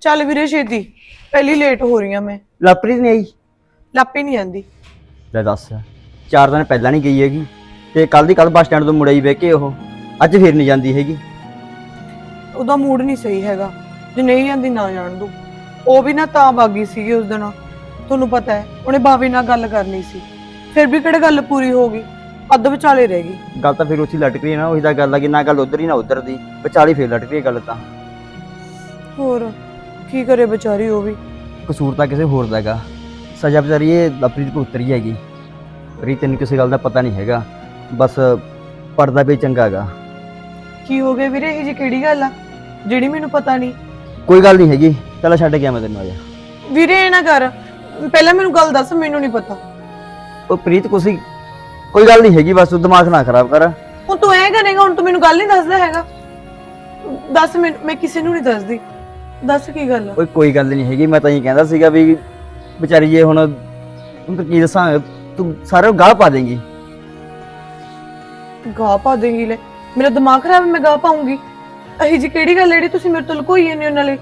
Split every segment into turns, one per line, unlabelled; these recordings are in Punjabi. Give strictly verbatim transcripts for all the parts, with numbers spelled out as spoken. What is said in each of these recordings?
ਚੱਲ ਵੀਰੇ ਛੇਤੀ, ਪਹਿਲੀ ਲੇਟ ਹੋ ਰਹੀ ਆ ਮੈਂ।
ਲਵਪ੍ਰੀਤ ਨਹੀਂ ਆਈ?
ਲਾਪੇ ਨਹੀਂ ਆਂਦੀ।
ਲੈ ਦੱਸ, ਚਾਰ ਦਿਨ ਪਹਿਲਾਂ ਨਹੀਂ ਗਈ ਹੈਗੀ ਤੇ ਕੱਲ ਦੀ ਕੱਲ ਬੱਸ ਸਟੈਂਡ ਤੋਂ ਮੁੜ ਆਈ ਬਹਿ ਕੇ, ਉਹ ਅੱਜ ਫਿਰ ਨਹੀਂ ਜਾਂਦੀ ਹੈਗੀ।
ਉਹਦਾ ਮੂਡ ਨਹੀਂ ਸਹੀ ਹੈਗਾ, ਜੇ ਨਹੀਂ ਜਾਂਦੀ ਨਾ ਜਾਣ ਦੋ। ਉਹ ਵੀ ਨਾ ਤਾਂ ਬਾਗੀ ਸੀਗੀ ਉਸ ਦਿਨ, ਤੁਹਾਨੂੰ ਪਤਾ ਹੈ ਉਹਨੇ ਬਾਵੇ ਨਾਲ ਗੱਲ ਕਰਨੀ ਸੀ, ਫਿਰ ਵੀ ਕਿਹੜੇ ਗੱਲ ਪੂਰੀ ਹੋ ਗਈ, ਅੱਧ ਵਿਚਾਲੇ ਰਹਿ ਗਈ।
ਗੱਲ ਤਾਂ ਫਿਰ ਉੱਥੇ ਲਟਕ ਰਹੀ ਹੈ ਨਾ, ਉਹੀ ਤਾਂ ਗੱਲ ਆ ਕਿ ਨਾ ਗੱਲ ਉਧਰ ਹੀ ਨਾ ਉਧਰ ਦੀ, ਵਿਚਾਲੇ ਫਿਰ ਲਟਕ ਰਹੀ ਹੈ ਗੱਲ। ਤਾਂ
ਹੋਰ ਕੀ ਕਰੇ ਵਿਚਾਰੀ, ਉਹ ਵੀ
ਕਸੂਰ ਤਾਂ ਕਿਸੇ ਹੋਰ ਦਾ ਹੈਗਾ, ਸਜ਼ਾ ਵਿਚਾਰੀ ਇਹ ਲਵਪ੍ਰੀਤ ਕੋ ਉਤਰੀ ਹੈਗੀ। ਰੀ ਤੈਨੂੰ ਕਿਸੇ ਗੱਲ ਦਾ ਪਤਾ ਨਹੀਂ ਹੈਗਾ, ਬਸ ਪੜਦਾ ਵੀ ਚੰਗਾ ਹੈਗਾ।
ਕੀ ਹੋ ਗਿਆ ਵੀਰੇ, ਇਹ ਜੀ ਕਿਹੜੀ ਗੱਲ ਆ ਜਿਹੜੀ ਮੈਨੂੰ ਪਤਾ ਨਹੀਂ?
ਕੋਈ ਗੱਲ ਨਹੀਂ ਹੈਗੀ, ਚੱਲ ਛੱਡ ਗਿਆ ਮੈਂ ਤੈਨੂੰ। ਆ ਜਾ
ਵੀਰੇ, ਇਹ ਨਾ ਕਰ, ਪਹਿਲਾਂ ਮੈਨੂੰ ਗੱਲ ਦੱਸ, ਮੈਨੂੰ ਨਹੀਂ ਪਤਾ।
ਉਹ ਪ੍ਰੀਤ ਕੁਛ ਕੋਈ ਗੱਲ ਨਹੀਂ ਹੈਗੀ, ਬਸ ਤੂੰ ਦਿਮਾਗ ਨਾ ਖਰਾਬ ਕਰ।
ਹੁਣ ਤੂੰ ਐ ਕਰੇਗਾ, ਹੁਣ ਤੂੰ ਮੈਨੂੰ ਗੱਲ ਨਹੀਂ ਦੱਸਦਾ ਹੈਗਾ। ਦੱਸ, ਮੈਨੂੰ, ਮੈਂ ਕਿਸੇ ਨੂੰ ਨਹੀਂ ਦੱਸਦੀ, ਦੱਸ ਕੀ ਗੱਲ ਆ?
ਓਏ ਕੋਈ ਗੱਲ ਨਹੀਂ ਹੈਗੀ, ਮੈਂ ਤਾਂ ਇਹ ਕਹਿੰਦਾ ਸੀਗਾ ਵੀ ਵਿਚਾਰੀ ਜੇ ਹੁਣ ਹੁਣ ਕੀ ਦੱਸਾਂ, ਤੂੰ ਸਾਰੇ ਗਾਹ ਪਾ ਦੇਂਗੀ।
ਗਾਹ ਪਾ ਦੇਂਗੀ? ਲੈ ਮੇਰਾ ਦਿਮਾਗ ਖਰਾਬ ਹੈ, ਮੈਂ ਗਾਹ ਪਾਉਂਗੀ? ਅਹੀ ਜੀ ਕਿਹੜੀ ਗੱਲ ਜਿਹੜੀ ਤੁਸੀਂ ਮੇਰੇ ਤੋਂ ਲੁਕੋਈ ਜਾਂਦੇ ਹੋ? ਨਾਲੇ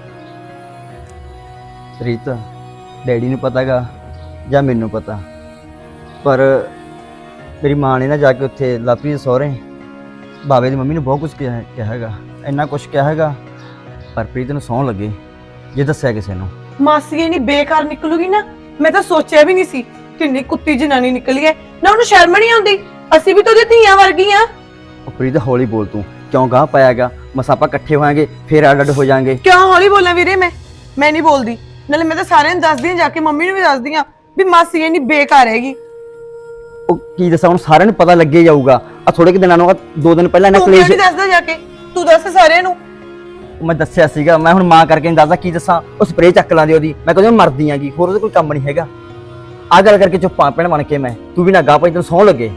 ਪ੍ਰੀਤ, ਡੈਡੀ ਨੂੰ ਪਤਾਗਾ ਜਾਂ ਮੈਨੂੰ ਪਤਾ, ਪਰ ਮੇਰੀ ਮਾਂ ਨੇ ਨਾ ਜਾ ਕੇ ਉੱਥੇ ਲਵਪ੍ਰੀਤ ਦੇ ਸਹੁਰੇ ਬਾਵੇ ਦੀ ਮੰਮੀ ਨੂੰ ਬਹੁਤ ਕੁਝ ਕਿਹਾ ਕਿਹਾ ਹੈਗਾ, ਇੰਨਾ ਕੁਝ ਕਿਹਾ ਹੈਗਾ, ਪਰ ਪ੍ਰੀਤ ਨੂੰ ਸਹੁੰ ਲੱਗੇ ਜੇ ਦੱਸਿਆ ਕਿਸੇ ਨੂੰ।
ਮਾਸੀ ਇਹ ਨਹੀਂ ਬੇਕਾਰ ਨਿਕਲੂਗੀ ਨਾ, ਮੈਂ ਤਾਂ ਸੋਚਿਆ ਵੀ ਨਹੀਂ ਸੀ। ਕਿੰਨੀ ਕੁੱਤੀ ਜਨਾਨੀ ਨਿਕਲੀ ਹੈ ਨਾ, ਉਹਨੂੰ ਸ਼ਰਮ ਨਹੀਂ ਆਉਂਦੀ? ਅਸੀਂ ਵੀ ਤਾਂ ਉਹਦੀ ਧੀਆਂ ਵਰਗੀਆਂ।
ਉਹ ਪ੍ਰੀਤ ਹੌਲੀ ਬੋਲ, ਤੂੰ ਕਿਉਂ ਗਾਹ ਪਾਇਆਗਾ? ਮਸਾਂ ਆਪਾਂ ਇਕੱਠੇ ਹੋਵਾਂਗੇ ਫਿਰ ਅੱਡ ਅੱਡ ਹੋ ਜਾਾਂਗੇ।
ਕਿਉਂ ਹੌਲੀ ਬੋਲਾਂ ਵੀਰੇ? ਮੈਂ ਮੈਂ ਨਹੀਂ ਬੋਲਦੀ, ਨਾਲੇ ਮੈਂ ਤਾਂ ਸਾਰਿਆਂ ਨੂੰ ਦੱਸਦੀ ਹਾਂ, ਜਾ ਕੇ ਮੰਮੀ ਨੂੰ ਵੀ ਦੱਸਦੀ ਹਾਂ ਵੀ ਮਾਸੀ ਇਹ ਨਹੀਂ ਬੇਕਾਰ ਹੈਗੀ।
ਉਹ ਕੀ ਦੱਸਾਂ ਹੁਣ, ਸਾਰਿਆਂ ਨੂੰ ਪਤਾ ਲੱਗੇ ਜਾਊਗਾ। ਆ ਥੋੜੇ ਕਿ ਦਿਨਾਂ ਨੂੰ, ਦੋ ਦਿਨ ਪਹਿਲਾਂ ਇਹਨਾਂ
ਤੂੰ ਕਿਉਂ
ਕਲੇਸ਼।
ਨਹੀਂ ਦੱਸਦਾ ਜਾ ਕੇ? ਤੂੰ ਦੱਸ ਸਾਰਿਆਂ ਨੂੰ।
ਮੈਂ ਦੱਸਿਆ ਸੀਗਾ, ਮੈਂ ਹੁਣ ਮਾਂ ਕਰਕੇ ਨਹੀਂ ਦੱਸਦਾ, ਕੀ ਦੱਸਾਂ? ਉਹ ਸਪਰੇਅ ਚੱਕ ਲਾਂਦੀ ਉਹਦੀ, ਮੈਂ ਕਹਿੰਦਾ ਮਰਦੀ ਆਂਗੀ, ਹੋਰ ਉਹਦੇ ਕੋਈ ਕੰਮ ਨਹੀਂ ਹੈਗਾ। ਆ ਗੱਲ ਕਰਕੇ ਚੁੱਪ ਆ ਭੈਣ ਬਣ ਕੇ, ਮੈਂ ਤੂੰ ਵੀ ਨਾ ਗਾਹ ਪਾਈ, ਤੈਨੂੰ ਸਹੁੰ ਲੱਗੇ।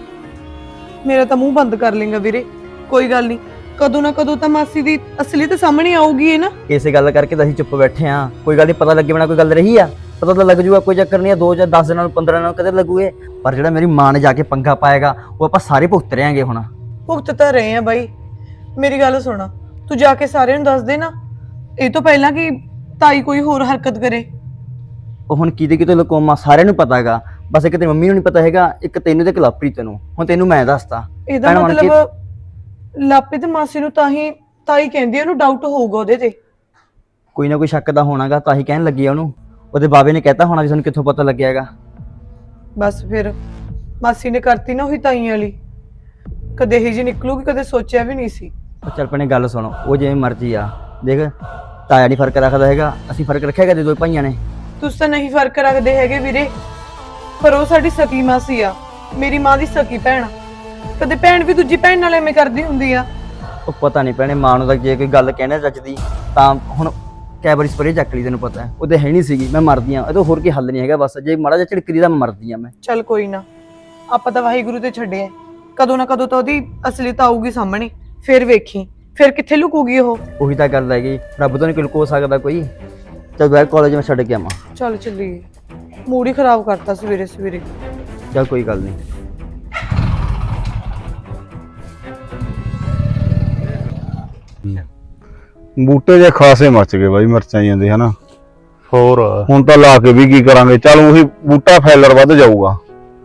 ਮੇਰਾ ਤਾਂ ਮੂੰਹ ਬੰਦ ਕਰ ਲੇਗਾ ਵੀਰੇ, ਕੋਈ ਗੱਲ ਨਹੀਂ, ਕਦੋਂ ਨਾ ਕਦੋਂ ਤਾਂ ਮਾਸੀ ਦੀ ਅਸਲੀ ਤਾਂ ਸਾਹਮਣੇ ਆਊਗੀ ਇਹ ਨਾ।
ਇਸੇ ਗੱਲ ਕਰਕੇ ਤਾਂ ਅਸੀਂ ਚੁੱਪ ਬੈਠੇ ਆ, ਕੋਈ ਗੱਲ ਨਹੀਂ, ਪਤਾ ਲੱਗੇ ਬਿਨਾ ਕੋਈ ਗੱਲ ਰਹੀ ਆ? ਪਤਾ ਤਾਂ ਲੱਗ ਜੂਗਾ, ਕੋਈ ਚੱਕਰ ਨਹੀਂ ਆ, ਦੋ ਜਾਂ ਦਸ ਦਿਨਾਂ ਨੂੰ ਪੰਦਰਾਂ ਦਿਨਾਂ ਨੂੰ ਕਦੇ ਲੱਗੂਗੇ, ਪਰ ਜਿਹੜਾ ਮੇਰੀ ਮਾਂ ਨੇ ਜਾ ਕੇ ਪੰਗਾ ਪਾਏਗਾ ਉਹ ਆਪਾਂ ਸਾਰੇ ਭੁਗਤ ਰਹਾਂਗੇ। ਹੁਣ
ਭੁਗਤ ਤਾਂ ਰਹੇ ਆ ਬਾਈ, ਮੇਰੀ ਗੱਲ ਸੁਣਾ, ਤੂੰ ਜਾ ਕੇ ਸਾਰਿਆਂ ਨੂੰ ਦੱਸ ਦੇ ਨਾ, ਇਹ ਤੋਂ ਪਹਿਲਾਂ ਕਿ ਤਾਈ ਕੋਈ ਹੋਰ ਹਰਕਤ ਕਰੇ।
ਉਹ ਹੁਣ ਕਿਤੇ ਕਿਤੇ ਲਕੋਮਾ ਸਾਰਿਆਂ ਨੂੰ ਪਤਾ ਹੈਗਾ, ਬਸ ਇੱਕ ਤੇ ਮੰਮੀ ਨੂੰ ਨਹੀਂ ਪਤਾ ਹੈਗਾ, ਇੱਕ ਤੈਨੂੰ ਤੇ ਲਵਪ੍ਰੀਤ ਨੂੰ। ਹੁਣ ਤੈਨੂੰ ਮੈਂ ਦੱਸਤਾ,
ਇਹਦਾ ਮਤਲਬ ਲਾਪੇ ਤੇ ਮਾਸੀ ਨੂੰ ਤਾਂ ਹੀ ਤਾਈ ਕਹਿੰਦੀ, ਉਹਨੂੰ ਡਾਊਟ ਹੋਊਗਾ ਉਹਦੇ ਤੇ।
ਕੋਈ ਨਾ ਕੋਈ ਸ਼ੱਕ ਦਾ ਹੋਣਾਗਾ, ਤਾਂ ਹੀ ਕਹਿਣ ਲੱਗੀ ਆ ਉਹਨੂੰ। ਉਹਦੇ ਬਾਬੇ ਨੇ ਕਹਿਤਾ ਹੋਣਾ ਵੀ ਸਾਨੂੰ ਕਿੱਥੋਂ ਪਤਾ ਲੱਗਿਆ ਹੈਗਾ।
ਬਸ ਫਿਰ ਮਾਸੀ ਨੇ ਕਰਤੀ ਨਾ ਉਹੀ ਤਾਈ ਵਾਲੀ, ਕਦੇ ਇਹੀ ਜੀ ਨਿਕਲੂਗੀ, ਕਦੇ ਸੋਚਿਆ ਵੀ ਨਹੀਂ ਸੀ।
ਚੱਲ ਭੈਣੇ ਗੱਲ ਸੁਣੋ, ਉਹ ਜਿਵੇਂ ਮਰਜ਼ੀ ਆ, ਦੇਖ ਤਾਇਆ ਨਹੀਂ ਫਰਕ ਰੱਖਦਾ ਹੈਗਾ, ਅਸੀਂ ਫਰਕ ਰੱਖਿਆ ਕਦੇ ਦੋ ਭਾਈਆਂ ਨੇ?
ਤੁਸੀਂ ਤਾਂ ਨਹੀਂ ਫਰਕ ਰੱਖਦੇ ਹੈਗੇ ਵੀਰੇ, ਪਰ ਉਹ ਸਾਡੀ ਸਕੀ ਮਾਸੀ ਆ, ਮੇਰੀ ਮਾਂ ਦੀ ਸਕੀ ਭੈਣ। ਕਦੇ ਭੈਣ ਵੀ ਦੂਜੀ ਭੈਣ ਨਾਲ ਐਵੇਂ ਕਰਦੀ ਹੁੰਦੀ ਆ?
ਉਹ ਪਤਾ ਨਹੀਂ ਭੈਣੇ, ਮਾਂ ਨੂੰ ਤਾਂ ਜੇ ਕੋਈ ਗੱਲ ਕਹਿਣਾ ਚੱਜਦੀ ਤਾਂ ਹੁਣ ਕਈ ਵਾਰੀ ਸਪਰੇਅ ਚੱਕ ਲਈ, ਤੈਨੂੰ ਪਤਾ ਹੈ ਉਹਦੇ ਹੈ ਨਹੀਂ ਸੀਗੀ, ਮੈਂ ਮਰਦੀ ਆ, ਇਹ ਤੋਂ ਹੋਰ ਕੀ ਹੱਲ ਨਹੀਂ ਹੈਗਾ, ਬਸ ਜੇ ਮਾੜਾ ਜਿਹਾ ਝਿੜਕਦੀ ਤਾਂ ਮੈਂ ਮਰਦੀ ਆ। ਮੈਂ
ਚੱਲ ਕੋਈ ਨਾ, ਆਪਾਂ ਤਾਂ ਵਾਹਿਗੁਰੂ ਤੇ ਛੱਡਿਆ, ਕਦੋਂ ਨਾ ਕਦੋਂ ਤਾਂ ਉਹਦੀ ਅਸਲੀਅਤ ਆਊਗੀ ਸਾਹਮਣੇ, ਫਿਰ ਵੇਖੀ, ਫਿਰ ਕਿੱਥੇ ਲੁਕੂਗੀ ਉਹ।
ਉਹੀ ਤਾਂ ਗੱਲ ਹੈਗੀ, ਰੱਬ ਤੋਂ ਨਹੀਂ ਕੋਈ ਲੁਕੋ ਸਕਦਾ ਕੋਈ। ਚੱਲ ਬੈਠ, ਕਾਲਜ ਮੈਂ ਛੱਡ ਕੇ ਆਵਾਂ।
ਚੱਲ ਚੱਲੀਏ, ਮੂਡ ਹੀ ਖਰਾਬ ਕਰਤਾ ਸਵੇਰੇ ਸਵੇਰੇ।
ਚੱਲ ਕੋਈ ਗੱਲ ਨਹੀਂ।
ਬੂਟੇ ਜੇ ਖਾਸੇ ਮੱਚ ਗਏ ਬਾਈ, ਮਿਰਚਾਂ ਜਾਂਦੇ ਹਨਾ।
ਹੋਰ
ਹੁਣ ਤਾਂ ਲਾ ਕੇ ਵੀ ਕੀ ਕਰਾਂਗੇ, ਚੱਲ ਉਹੀ ਬੂਟਾ ਫੈਲਰ ਵੱਧ ਜਾਊਗਾ।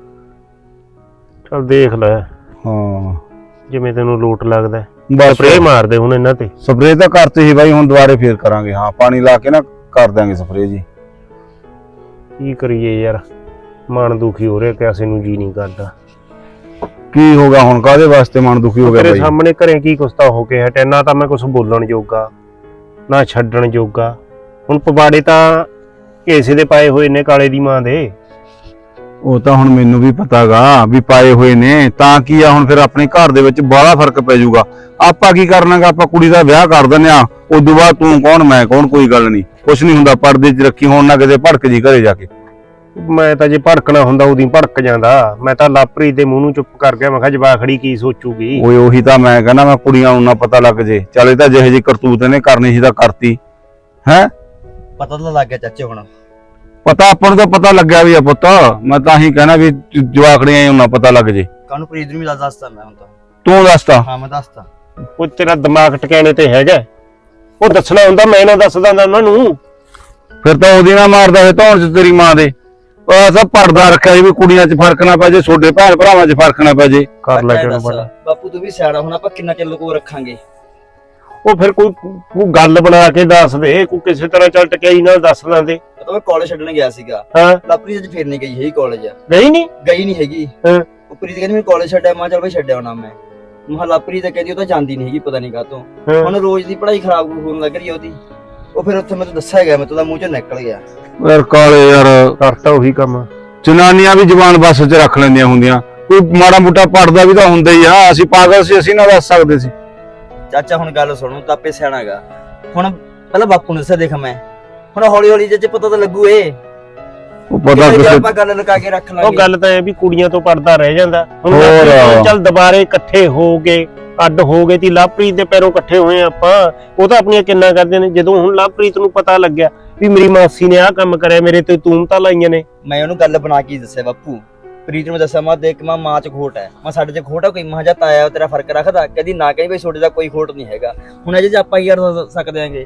ਚੱਲ ਦੇਖ ਲੈ
ਹਾਂ
ਜਿਵੇਂ ਤੈਨੂੰ ਲੋਟ ਲੱਗਦਾ,
ਬਸ
ਸਪਰੇਅ ਮਾਰਦੇ ਹੁਣ ਇਹਨਾਂ ਤੇ।
ਸਪਰੇਅ ਤਾਂ ਕਰਤੀ ਸੀ ਬਾਈ, ਹੁਣ ਦੁਬਾਰੇ ਫੇਰ ਕਰਾਂਗੇ। ਹਾਂ ਪਾਣੀ ਲਾ ਕੇ ਨਾ ਕਰ ਦਾਂਗੇ ਸਪਰੇਅ ਜੀ।
ਕੀ ਕਰੀਏ ਯਾਰ, ਮਨ ਦੁਖੀ ਹੋ ਰਿਹਾ, ਕਿਸੇ ਨੂੰ ਜੀ ਨਹੀਂ ਕਰਦਾ।
ਕੀ ਹੋ ਗਿਆ ਹੁਣ, ਕਾਹਦੇ ਵਾਸਤੇ ਮਨ ਦੁਖੀ ਹੋ ਗਿਆ
ਤੇਰੇ
ਬਾਈ?
ਸਾਹਮਣੇ ਘਰੇ ਕੀ ਕੁਛ ਤਾਂ ਹੋ ਕੇ ਹਟਿਆ, ਨਾ ਤਾਂ ਮੈਂ ਕੁਛ ਬੋਲਣ ਜੋਗਾ ਨਾ ਛੱਡਣ ਜੋਗਾ। ਹੁਣ ਪਵਾੜੇ ਤਾਂ ਏਸੇ ਦੇ ਪਾਏ ਹੋਏ ਨੇ, ਕਾਲੇ ਦੀ ਮਾਂ ਦੇ।
ਉਹ ਤਾਂ ਹੁਣ ਮੈਨੂੰ ਵੀ ਪਤਾਗਾ ਵੀ ਪਾਏ ਹੋਏ ਨੇ, ਤਾਂ ਕੀ ਆ ਹੁਣ ਫਿਰ ਆਪਣੇ ਘਰ ਦੇ ਵਿੱਚ ਬਾਹਲਾ ਫਰਕ ਪੈ ਜਾਊਗਾ। ਆਪਾਂ ਕੀ ਕਰਨਾਗਾ, ਆਪਾਂ ਕੁੜੀ ਦਾ ਵਿਆਹ ਕਰ ਦਿੰਦੇ ਆ, ਉਦੋਂ ਬਾਅਦ ਤੂੰ ਕੌਣ ਮੈਂ ਕੌਣ, ਕੋਈ ਗੱਲ ਨਹੀਂ, ਕੁਛ ਨਹੀਂ ਹੁੰਦਾ। ਪਰਦੇ 'ਚ ਰੱਖੀ, ਹੁਣ ਨਾ ਕਿਤੇ ਭੜਕ ਜੀ ਘਰੇ ਜਾ ਕੇ।
ਮੈਂ ਤਾਂ ਜੇ ਭੜਕਣਾ ਹੁੰਦਾ ਉਦੋਂ ਭੜਕ ਜਾਂਦਾ। ਮੈਂ ਤਾਂ ਲਾਪਰੀ ਦੇ ਮੂੰਹ ਨੂੰ ਚੁੱਪ ਕਰ ਗਿਆ, ਮੈਂ ਕਿਹਾ ਜਵਾਖੜੀ ਕੀ ਸੋਚੂਗੀ।
ਓਏ ਉਹੀ ਤਾਂ ਮੈਂ ਕਹਿੰਦਾ, ਮੈਂ ਕੁੜੀਆਂ ਨੂੰ ਨਾ ਪਤਾ ਲੱਗ ਜੇ। ਚੱਲ ਇਹ ਤਾਂ ਜਿਹੇ ਜਿਹੀ ਕਰਤੂਤ ਇਹਨੇ ਕਰਨੀ ਸੀ ਤਾਂ ਕਰਤੀ ਹੈ।
ਪਤਾ ਤਾਂ ਲੱਗ ਗਿਆ ਚਾਚੇ, ਹੁਣ
ਪਤਾ ਆਪਾਂ ਨੂੰ ਤਾਂ ਪਤਾ ਲੱਗਿਆ ਵੀ ਆ ਪੁੱਤ, ਮੈਂ ਤਾਂ ਹੀ ਕਹਿਣਾ ਵੀ ਜਵਾਖੜੀਆਂ ਨੂੰ ਨਾ ਪਤਾ ਲੱਗ ਜੇ।
ਕਾਹਨੂੰ ਪ੍ਰੀਤ ਨੂੰ ਵੀ ਦੱਸਦਾ ਮੈਂ ਹੁਣ ਤਾਂ।
ਤੂੰ ਦੱਸਤਾ?
ਹਾਂ ਮੈਂ ਦੱਸਤਾ।
ਉਹ ਤੇਰਾ ਦਿਮਾਗ ਟਿਕਾਣੇ ਤੇ ਹੈਗਾ? ਉਹ ਦੱਸਣਾ ਹੁੰਦਾ, ਮੈਂ ਨਾ ਦੱਸਦਾ ਉਹਨਾਂ ਨੂੰ।
ਫਿਰ ਤਾਂ ਉਹਦੀ ਨਾ ਮਾਰਦਾ ਹੈ ਧੌਣ ਚ ਤੇਰੀ ਮਾਂ ਦੇ। ਉਹ ਸਭ ਪਰਦਾ ਰੱਖਿਆ ਸੀ ਵੀ ਕੁੜੀਆਂ 'ਚ ਫਰਕ ਨਾ ਪੈ ਜੇ, ਛੋਟੇ ਭੈਣ ਭਰਾਵਾਂ 'ਚ ਫਰਕ ਨਾ ਪੈ ਜੇ।
ਕਰ ਲੈ
ਬੱਚਾ
ਕਿਹਨੂੰ
ਦੱਸ,
ਬੜਾ।
ਬਾਪੂ ਤੂੰ ਵੀ ਸਿਆਣਾ, ਹੁਣ ਆਪਾਂ ਕਿੰਨਾ ਚਿਰ ਲੁਕੋ ਰੱਖਾਂਗੇ?
ਉਹ ਫਿਰ ਕੋਈ ਕੋਈ ਗੱਲ ਬਣਾ ਕੇ ਦੱਸ ਦੇ, ਕੋਈ ਕਿਸੇ ਤਰ੍ਹਾਂ ਚੱਲ ਟਕਿਆਈ ਨਾਲ ਦੱਸ ਦਿੰਦੇ।
ਉਹ ਤਾਂ ਮੈਂ ਕਾਲਜ ਛੱਡਣ ਗਿਆ ਸੀਗਾ,
ਹਾਂ
ਲਾਪਰੀ ਅੱਜ ਫੇਰ ਨਹੀਂ ਗਈ ਹੈਗੀ ਕਾਲਜ।
ਨਹੀਂ ਨਹੀਂ
ਗਈ ਨਹੀਂ ਹੈਗੀ।
ਹਾਂ।
ਉਹ ਪ੍ਰੀਤ ਕਹਿੰਦੀ ਮੈਂ ਕਾਲਜ ਛੱਡਿਆ, ਮੈਂ ਕਿਹਾ ਚੱਲ ਬਈ ਛੱਡਿਆ ਹੋਣਾ ਮੈਂ। ਮਹਾ ਲਾਪਰੀ ਤਾਂ ਕਹਿੰਦੀ ਉਹ ਤਾਂ ਜਾਂਦੀ ਨਹੀਂ ਹੈਗੀ, ਪਤਾ ਨਹੀਂ ਕਾਹਤੋਂ।
ਹਾਂ।
ਹੁਣ ਰੋਜ਼ ਦੀ ਪੜ੍ਹਾਈ ਖਰਾਬ ਹੋਣ ਲੱਗ ਰਹੀ ਆ ਉਹਦੀ। ਉਹ ਫਿਰ ਉੱਥੇ ਮੈਨੂੰ ਦੱਸਿਆ ਗਿਆ, ਮੈਂ ਤਾਂ ਮੂੰਹ ਚੋਂ ਨਿਕਲ ਗਿਆ।
ਯਾਰ ਕਾਲੇ ਯਾਰ,
ਕਰਤਾ ਉਹੀ ਕੰਮ।
ਜਨਾਨੀਆਂ ਵੀ ਜ਼ਬਾਨ ਬੱਸ 'ਚ ਰੱਖ ਲੈਂਦੀਆਂ ਹੁੰਦੀਆਂ, ਕੋਈ ਮਾੜਾ ਮੋਟਾ ਪੜਦਾ ਵੀ ਤਾਂ ਹੁੰਦਾ ਹੀ ਆ। ਅਸੀਂ ਪਾਗਲ ਸੀ, ਅਸੀਂ ਨਾ ਦੱਸ ਸਕਦੇ ਸੀ।
ਚਾਚਾ ਹੁਣ ਗੱਲ ਸੁਣੋ, ਤਾਂ ਆਪੇ ਸਿਆਣਾ ਗਾ। ਹੁਣ ਪਹਿਲਾਂ ਬਾਪੂ ਨੂੰ ਦੱਸਿਆ, ਦੇਖ ਮੈਂ ਹੁਣ ਹੌਲੀ ਹੌਲੀ ਜੇ ਪਤਾ ਤਾਂ ਲੱਗੂ। ਇਹ
ਉਹ ਪਤਾ ਕਿਸੇ
ਆਪਾਂ ਗੱਲ ਲੁਕਾ ਕੇ ਰੱਖ ਲਾਂਗੇ।
ਉਹ ਗੱਲ ਤਾਂ ਇਹ ਵੀ ਕੁੜੀਆਂ ਤੋਂ ਪੜਦਾ ਰਹਿ ਜਾਂਦਾ। ਹੁਣ
ਹੋਰ।
ਲਾਪਰੀ ਚੱਲ ਦੁਬਾਰੇ ਇਕੱਠੇ ਹੋ ਗਏ, ਅੱਡ ਹੋ ਗਏ ਤੀ ਲਵਪ੍ਰੀਤ ਦੇ ਪੈਰੋਂ ਇਕੱਠੇ ਹੋਏ ਆਪਾਂ। ਉਹ ਤਾਂ ਆਪਣੀਆਂ ਕਿੰਨਾ ਕਰਦੇ ਨੇ। ਜਦੋਂ ਹੁਣ ਲਵਪ੍ਰੀਤ ਨੂੰ ਪਤਾ ਲੱਗਿਆ ਵੀ ਮੇਰੀ ਮਾਸੀ ਨੇ ਆਹ ਕੰਮ ਕਰਿਆ, ਮੇਰੇ ਤੇ ਤੂਮਤਾਂ ਲਾਈਆਂ ਨੇ।
ਮੈਂ ਉਹਨੂੰ ਗੱਲ ਬਣਾ ਕੇ ਦੱਸਿਆ ਬਾਪੂ, ਪ੍ਰੀਤ ਨੂੰ ਦੱਸਿਆ, ਮੈਂ ਦੇਖ ਮੈਂ ਮਾਂ ਚ ਖੋਟ ਹੈ, ਮੈਂ ਸਾਡੇ ਚ ਖੋਟ ਹੈ ਕੋਈ। ਮਾਂ ਜਾਂ ਤਾਇਆ ਤੇਰਾ ਫਰਕ ਰੱਖਦਾ, ਕਦੀ ਨਾ ਕਹੀ ਬਈ ਛੋਟੇ ਦਾ ਕੋਈ ਖੋਟ ਨਹੀਂ ਹੈਗਾ। ਹੁਣ ਅਜੇ ਜੇ ਆਪਾਂ ਕੀ ਕਰ ਸਕਦੇ ਆਂਗੇ?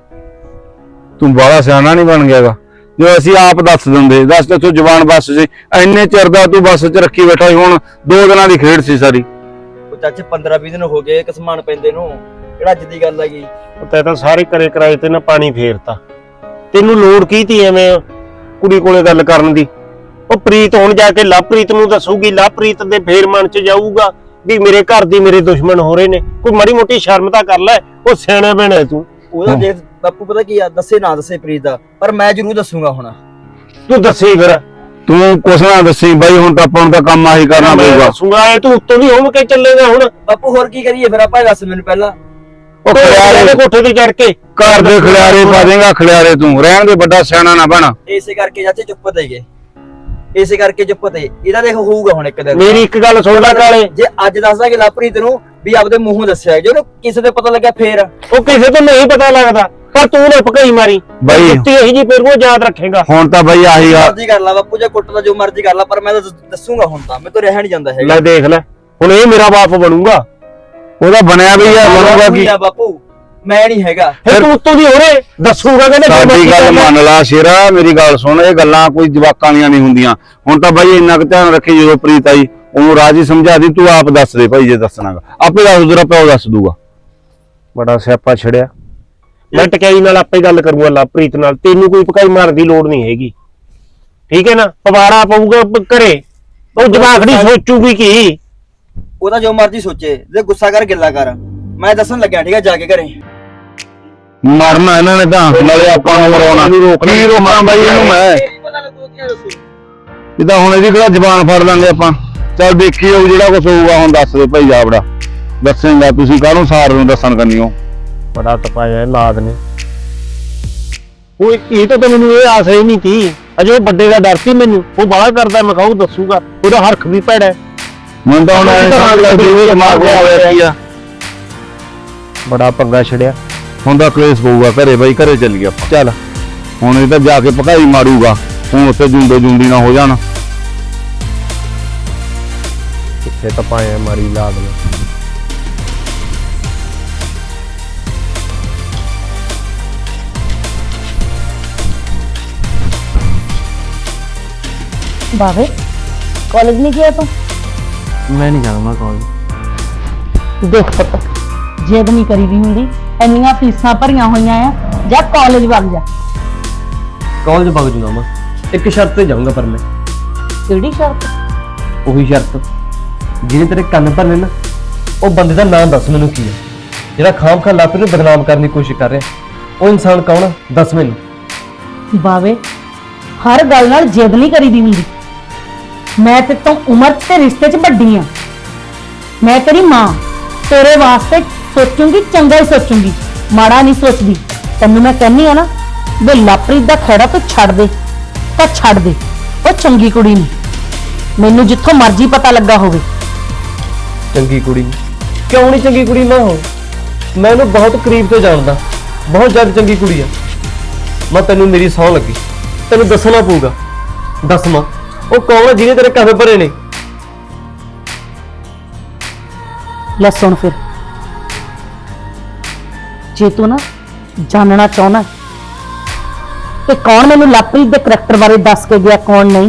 ਤੂੰ ਬਾਹਲਾ ਸਿਆਣਾ ਨਹੀਂ ਬਣ ਗਿਆਗਾ। ਜੋ ਅਸੀਂ ਆਪ ਦੱਸ ਦਿੰਦੇ, ਦੱਸ ਤੇ ਤੂੰ ਜ਼ਬਾਨ ਬੱਸ ਸੀ। ਇੰਨੇ ਚਿਰ ਦਾ ਤੂੰ ਬੱਸ 'ਚ ਰੱਖੀ ਬੈਠਾ ਸੀ, ਹੁਣ ਦੋ ਦਿਨਾਂ ਦੀ ਖੇਡ ਸੀ ਸਾਰੀ।
ਉਹ ਚਾਚੇ ਪੰਦਰਾਂ ਵੀਹ ਦਿਨ ਹੋ ਗਏ ਕਸਮਾਨ ਪੈਂਦੇ ਨੂੰ, ਕਿਹੜਾ ਅੱਜ ਦੀ ਗੱਲ ਹੈਗੀ।
ਤੈ ਤਾਂ ਸਾਰੇ ਕਰੇ ਕਰਾਏ ਤੇ ਨਾ ਪਾਣੀ ਫੇਰਤਾ। ਤੈਨੂੰ ਲੋੜ ਕੀ ਤੀ ਐਵੇਂ ਕੁੜੀ ਕੋਲੇ ਗੱਲ ਕਰਨ ਦੀ? ਉਹ ਪ੍ਰੀਤ ਹੁਣ ਜਾ ਕੇ ਲਵਪ੍ਰੀਤ ਨੂੰ ਦੱਸੂਗੀ, ਲਵਪ੍ਰੀਤ ਦੇ ਫੇਰ ਮਨ ਚ ਜਾਊਗਾ ਵੀ ਮੇਰੇ ਘਰ ਦੀ ਮੇਰੇ ਦੁਸ਼ਮਣ ਹੋ ਰਹੇ ਨੇ। ਕੋਈ ਮਾੜੀ ਮੋਟੀ ਸ਼ਰਮ ਤਾਂ ਕਰ ਲੈ, ਉਹ ਸਿਆਣਾ ਬਣਾ ਤੂੰ।
ਉਹਦਾ ਦੇਖ ਬਾਪੂ ਪਤਾ ਕੀ ਆ, ਦੱਸੇ ਨਾ ਦੱਸੇ ਪ੍ਰੀਤ ਦਾ, ਪਰ ਮੈਂ ਜ਼ਰੂਰ ਦੱਸੂਗਾ। ਹੁਣ
ਤੂੰ ਦੱਸੀ ਫਿਰ।
ਤੂੰ ਕੁਛ ਨਾ ਦੱਸੀ ਬਾਈ, ਹੁਣ ਤਾਂ ਆਪਾਂ ਨੂੰ ਤਾਂ ਕੰਮ ਆਹੀ ਕਰਨਾ
ਮੈਂ
ਪਊਗਾ।
ਦੱਸੂਗਾ, ਇਹ ਤੂੰ ਉੱਤੋਂ ਦੀ ਹੋਮ ਕੇ ਚੱਲੇਗਾ ਹੁਣ।
ਬਾਪੂ ਹੋਰ ਕੀ ਕਰੀਏ ਫਿਰ ਆਪਾਂ, ਦੱਸ ਮੈਨੂੰ ਪਹਿਲਾਂ।
ਉਹ
ਖਿਆਰੇ
ਖਿਲਾਰੇ
ਕੋਠੇ ਤੇ ਚੜ ਕੇ
ਘਰ ਦੇ ਖਿਲਾਰੇ ਪਾ ਦੇਗਾ, ਖਿਲਾਰੇ ਤੂੰ ਰਹਿਣ ਦੇ, ਵੱਡਾ ਸਿਆਣਾ ਨਾ ਬਣ।
ਇਸੇ ਕਰਕੇ ਚਾਚੇ ਚੁੱਪ ਤੇ ਗਏ, ਇਸੇ ਕਰਕੇ ਚੁੱਪ ਤੇ। ਇਹਦਾ ਦੇਖ ਹੋਊਗਾ ਹੁਣ ਇੱਕ ਦਿਨ।
ਮੇਰੀ ਇੱਕ ਗੱਲ ਸੁਣ ਲੈ ਕਾਲੇ,
ਜੇ ਅੱਜ ਦੱਸਦਾ ਕਿ ਲਵਪ੍ਰੀਤ ਨੂੰ ਵੀ ਆਪਦੇ ਮੂੰਹੋਂ ਦੱਸਿਆ, ਜੇ ਉਹਨੂੰ ਕਿਸੇ ਦੇ ਪਤਾ ਲੱਗਿਆ ਫੇਰ।
ਉਹ ਕਿਸੇ ਤੋਂ ਨਹੀਂ ਪਤਾ ਲੱਗਦਾ, ਪਰ ਤੂੰ ਨਾ ਭਕਾਈ ਮਾਰੀ
ਬਾਈ।
ਜੁੱਤੀ ਇਹੀ ਜੀ ਫਿਰ ਉਹ ਯਾਦ ਰੱਖੇਗਾ।
ਹੁਣ ਤਾਂ ਬਾਈ ਆਹੀ ਆ।
ਮਰਜ਼ੀ ਕਰ ਲਾ ਬਾਪੂ, ਜੇ ਕੁੱਟਦਾ ਜੋ ਮਰਜ਼ੀ ਕਰ ਲਾ, ਪਰ ਮੈਂ ਤਾਂ ਦੱਸੂਗਾ ਹੁਣ ਤਾਂ। ਮੈਂ ਤਾਂ ਰਹਿ ਨਹੀਂ ਜਾਂਦਾ ਹੈਗਾ।
ਲੈ ਦੇਖ ਲੈ, ਹੁਣ ਇਹ ਮੇਰਾ ਬਾਪ ਬਣੂਗਾ।
ਉਹਦਾ ਬਣਿਆ ਵੀ ਆ, ਬਣੂਗਾ ਕੀ?
ਆ ਬਾਪੂ ਮੈਂ ਨਹੀਂ ਹੈਗਾ।
ਫਿਰ ਤੂੰ ਉੱਤੋਂ ਦੀ ਹੋਰੇ ਦੱਸੂਗਾ ਕਹਿੰਦੇ
ਸਾਡੀ ਗੱਲ ਮੰਨ ਲਾ ਸ਼ੇਰਾ, ਮੇਰੀ ਗੱਲ ਸੁਣ। ਇਹ ਗੱਲਾਂ ਕੋਈ ਜਵਾਕਾਂ ਦੀਆਂ ਨਹੀਂ ਹੁੰਦੀਆਂ। ਹੁਣ ਤਾਂ ਬਾਈ ਇੰਨਾ ਕੁ ਧਿਆਨ ਰੱਖੀ, ਜਦੋਂ ਪ੍ਰੀਤ ਆਈ ਉਹਨੂੰ ਰਾਜੀ ਸਮਝਾ ਦੀ। ਤੂੰ ਆਪ ਦੱਸ ਦੇ ਭਾਈ, ਜੇ ਦੱਸਣਾਗਾ ਆਪੇ ਦੱਸ, ਤੇਰਾ ਪਿਓ ਦੱਸ ਦੂਗਾ।
ਬੜਾ ਸਿਆਪਾ ਛੜਿਆ। ਮੈਂ ਟਕਾਈ ਨਾਲ ਆਪੇ ਗੱਲ ਕਰੂੰਗਾ ਲਵਪ੍ਰੀਤ ਨਾਲ, ਤੈਨੂੰ ਕੋਈ ਭਕਾਈ ਮਾਰਨ ਦੀ ਲੋੜ ਨਹੀਂ ਹੈਗੀ, ਠੀਕ ਹੈ ਨਾ? ਪਵਾੜਾ ਪਊਗਾ ਘਰੇ, ਉਹ ਜਵਾਖੜੀ ਸੋਚੂਗੀ ਕੀ?
ਉਹਦਾ ਜੋ ਮਰਜ਼ੀ ਸੋਚੇ, ਜੇ ਗੁੱਸਾ ਕਰ ਗਿੱਲਾ ਕਰ, ਮੈਂ ਦੱਸਣ ਲੱਗਿਆ ਠੀਕ ਹੈ ਜਾ ਕੇ ਘਰੇ।
ਮਰਨਾ ਇਹਨਾਂ ਨੇ ਤਾਂ, ਨਾਲੇ ਆਪਾਂ ਨੂੰ ਮਰਾਉਣਾ। ਕੀ ਰੋਕਣਾ ਬਾਈ ਇਹਨੂੰ ਮੈਂ? ਇਹ ਤਾਂ ਹੁਣ ਇਹਦੀ ਕਿਹੜਾ ਜ਼ਬਾਨ ਫੜ ਲਾਂਗੇ ਆਪਾਂ। ਚੱਲ ਦੇਖੀ ਜਾਊ, ਜਿਹੜਾ ਕੁਝ ਹੋਊਗਾ। ਹੁਣ ਦੱਸ ਦੇ ਭਾਈ ਜਾਬੜਾ, ਦੱਸੇਂਗਾ ਤੁਸੀਂ ਕਾਹਨੂੰ ਸਾਰ ਨੂੰ ਦੱਸਣ ਕਰਨੀਓ।
ਬੜਾ ਤਪਾਇਆ ਲਾਦ ਨੇ। ਉਹ ਇਹ ਤਾਂ ਮੈਨੂੰ ਇਹ ਆਸ ਹੀ ਨਹੀਂ ਸੀ, ਅਜੇ ਉਹ ਵੱਡੇ ਦਾ ਡਰ ਸੀ ਮੈਨੂੰ। ਉਹ ਬਾਹਲਾ ਕਰਦਾ, ਮੈਂ ਕਹੂੰ ਦੱਸੂਗਾ, ਉਹਦਾ ਹਰਖ ਵੀ ਭੈੜਾ।
ਮੈਨੂੰ ਤਾਂ ਹੁਣ ਐਂ ਸਮਝ ਲੱਗਦੀ ਵੀ ਦਿਮਾਗ ਹੋਇਆ ਕੀ ਆ।
ਬੜਾ ਪੰਗਾ ਛੜਿਆ।
ਹੁਣ ਤਾਂ ਕਲੇਸ਼ ਪਊਗਾ ਘਰੇ ਬਾਈ, ਘਰੇ ਚੱਲੀਏ ਆਪਾਂ। ਚੱਲ ਹੁਣ ਇਹ ਤਾਂ ਜਾ ਕੇ ਭਕਾਈ ਮਾਰੂਗਾ, ਹੁਣ ਉੱਥੇ ਜੁੰਡੇ ਜੁੰਡੀ ਨਾ ਹੋ ਜਾਣ।
ਕਿੱਥੇ ਤਪਾਇਆ ਮਾਰੀ ਲਾਦ ਨੇ।
बाबे कॉलेज नहीं गया तू?
मैं नहीं जाऊंगा कॉलेज।
देख पुत, जिद नहीं करी दी हुंदी, इन्नियां फीसां भरियां होईयां आ, जा कॉलेज वग जा।
कॉलेज वग जूंगा मैं, एक शर्त ते जाऊंगा पर मैं।
केड़ी शर्त?
ਉਹੀ ਸ਼ਰਤ ਜਿਹਨੇ ਤੇਰੇ ਕੰਨ ਭਰਨੇ ਨਾ, ਉਹ ਬੰਦੇ ਦਾ ਨਾਮ ਦੱਸ ਮੈਨੂੰ ਕੀ ਹੈ, ਜਿਹੜਾ ਖਾਮ ਖਾ ਲਾਪਰੀ ਨੂੰ ਬਦਨਾਮ ਕਰਨ ਦੀ ਕੋਸ਼ਿਸ਼ ਕਰ ਰਿਹਾ। ਉਹ ਇਨਸਾਨ ਕੌਣ ਆ ਦੱਸ ਮੈਨੂੰ।
बावे हर गल नाल जिद नहीं करी दी हुंदी। मैं ते तो उम्र ते रिश्ते च वड्डी आ, मैं तेरी मां, तेरे वास्ते सोचूंगी, चंगा ही सोचूंगी, माड़ा नहीं सोचदी। तैनूं मैं कहनी आ ना वे लवप्रीत दा खैड़ा तू छड़ दे तां छड़ दे, ਉਹ ਚੰਗੀ ਕੁੜੀ ਨਹੀਂ। ਮੈਨੂੰ ਜਿੱਥੋਂ ਮਰਜ਼ੀ ਪਤਾ ਲੱਗਾ ਹੋਵੇ।
ਚੰਗੀ ਕੁੜੀ ਕਿਉਂ ਨਹੀਂ ਚੰਗੀ ਕੁੜੀ ਨਾ ਹੋ? ਮੈਂ ਉਹਨੂੰ ਬਹੁਤ ਕਰੀਬ ਤੋਂ ਜਾਣਦਾ, ਬਹੁਤ ਜ਼ਿਆਦਾ ਚੰਗੀ ਕੁੜੀ ਆ। ਮੈਂ ਤੈਨੂੰ ਮੇਰੀ ਸਹੁੰ ਲੱਗੀ, ਤੈਨੂੰ ਦੱਸਣਾ ਪਊਗਾ। ਦੱਸ ਮਾਂ, ਉਹ ਕੌਣ ਆ ਜਿਹਨੇ ਤੇਰੇ ਕੰਨ ਭਰੇ ਨੇ?
ਲੈ ਸੁਣ ਫਿਰ, ਜੇ ਤੂੰ ਨਾ ਜਾਣਨਾ ਚਾਹੁੰਦਾ ਕਿ ਕੌਣ ਮੈਨੂੰ ਲਵਪ੍ਰੀਤ ਦੇ ਕਰੈਕਟਰ ਬਾਰੇ ਦੱਸ ਕੇ ਗਿਆ, ਕੌਣ ਨਹੀਂ?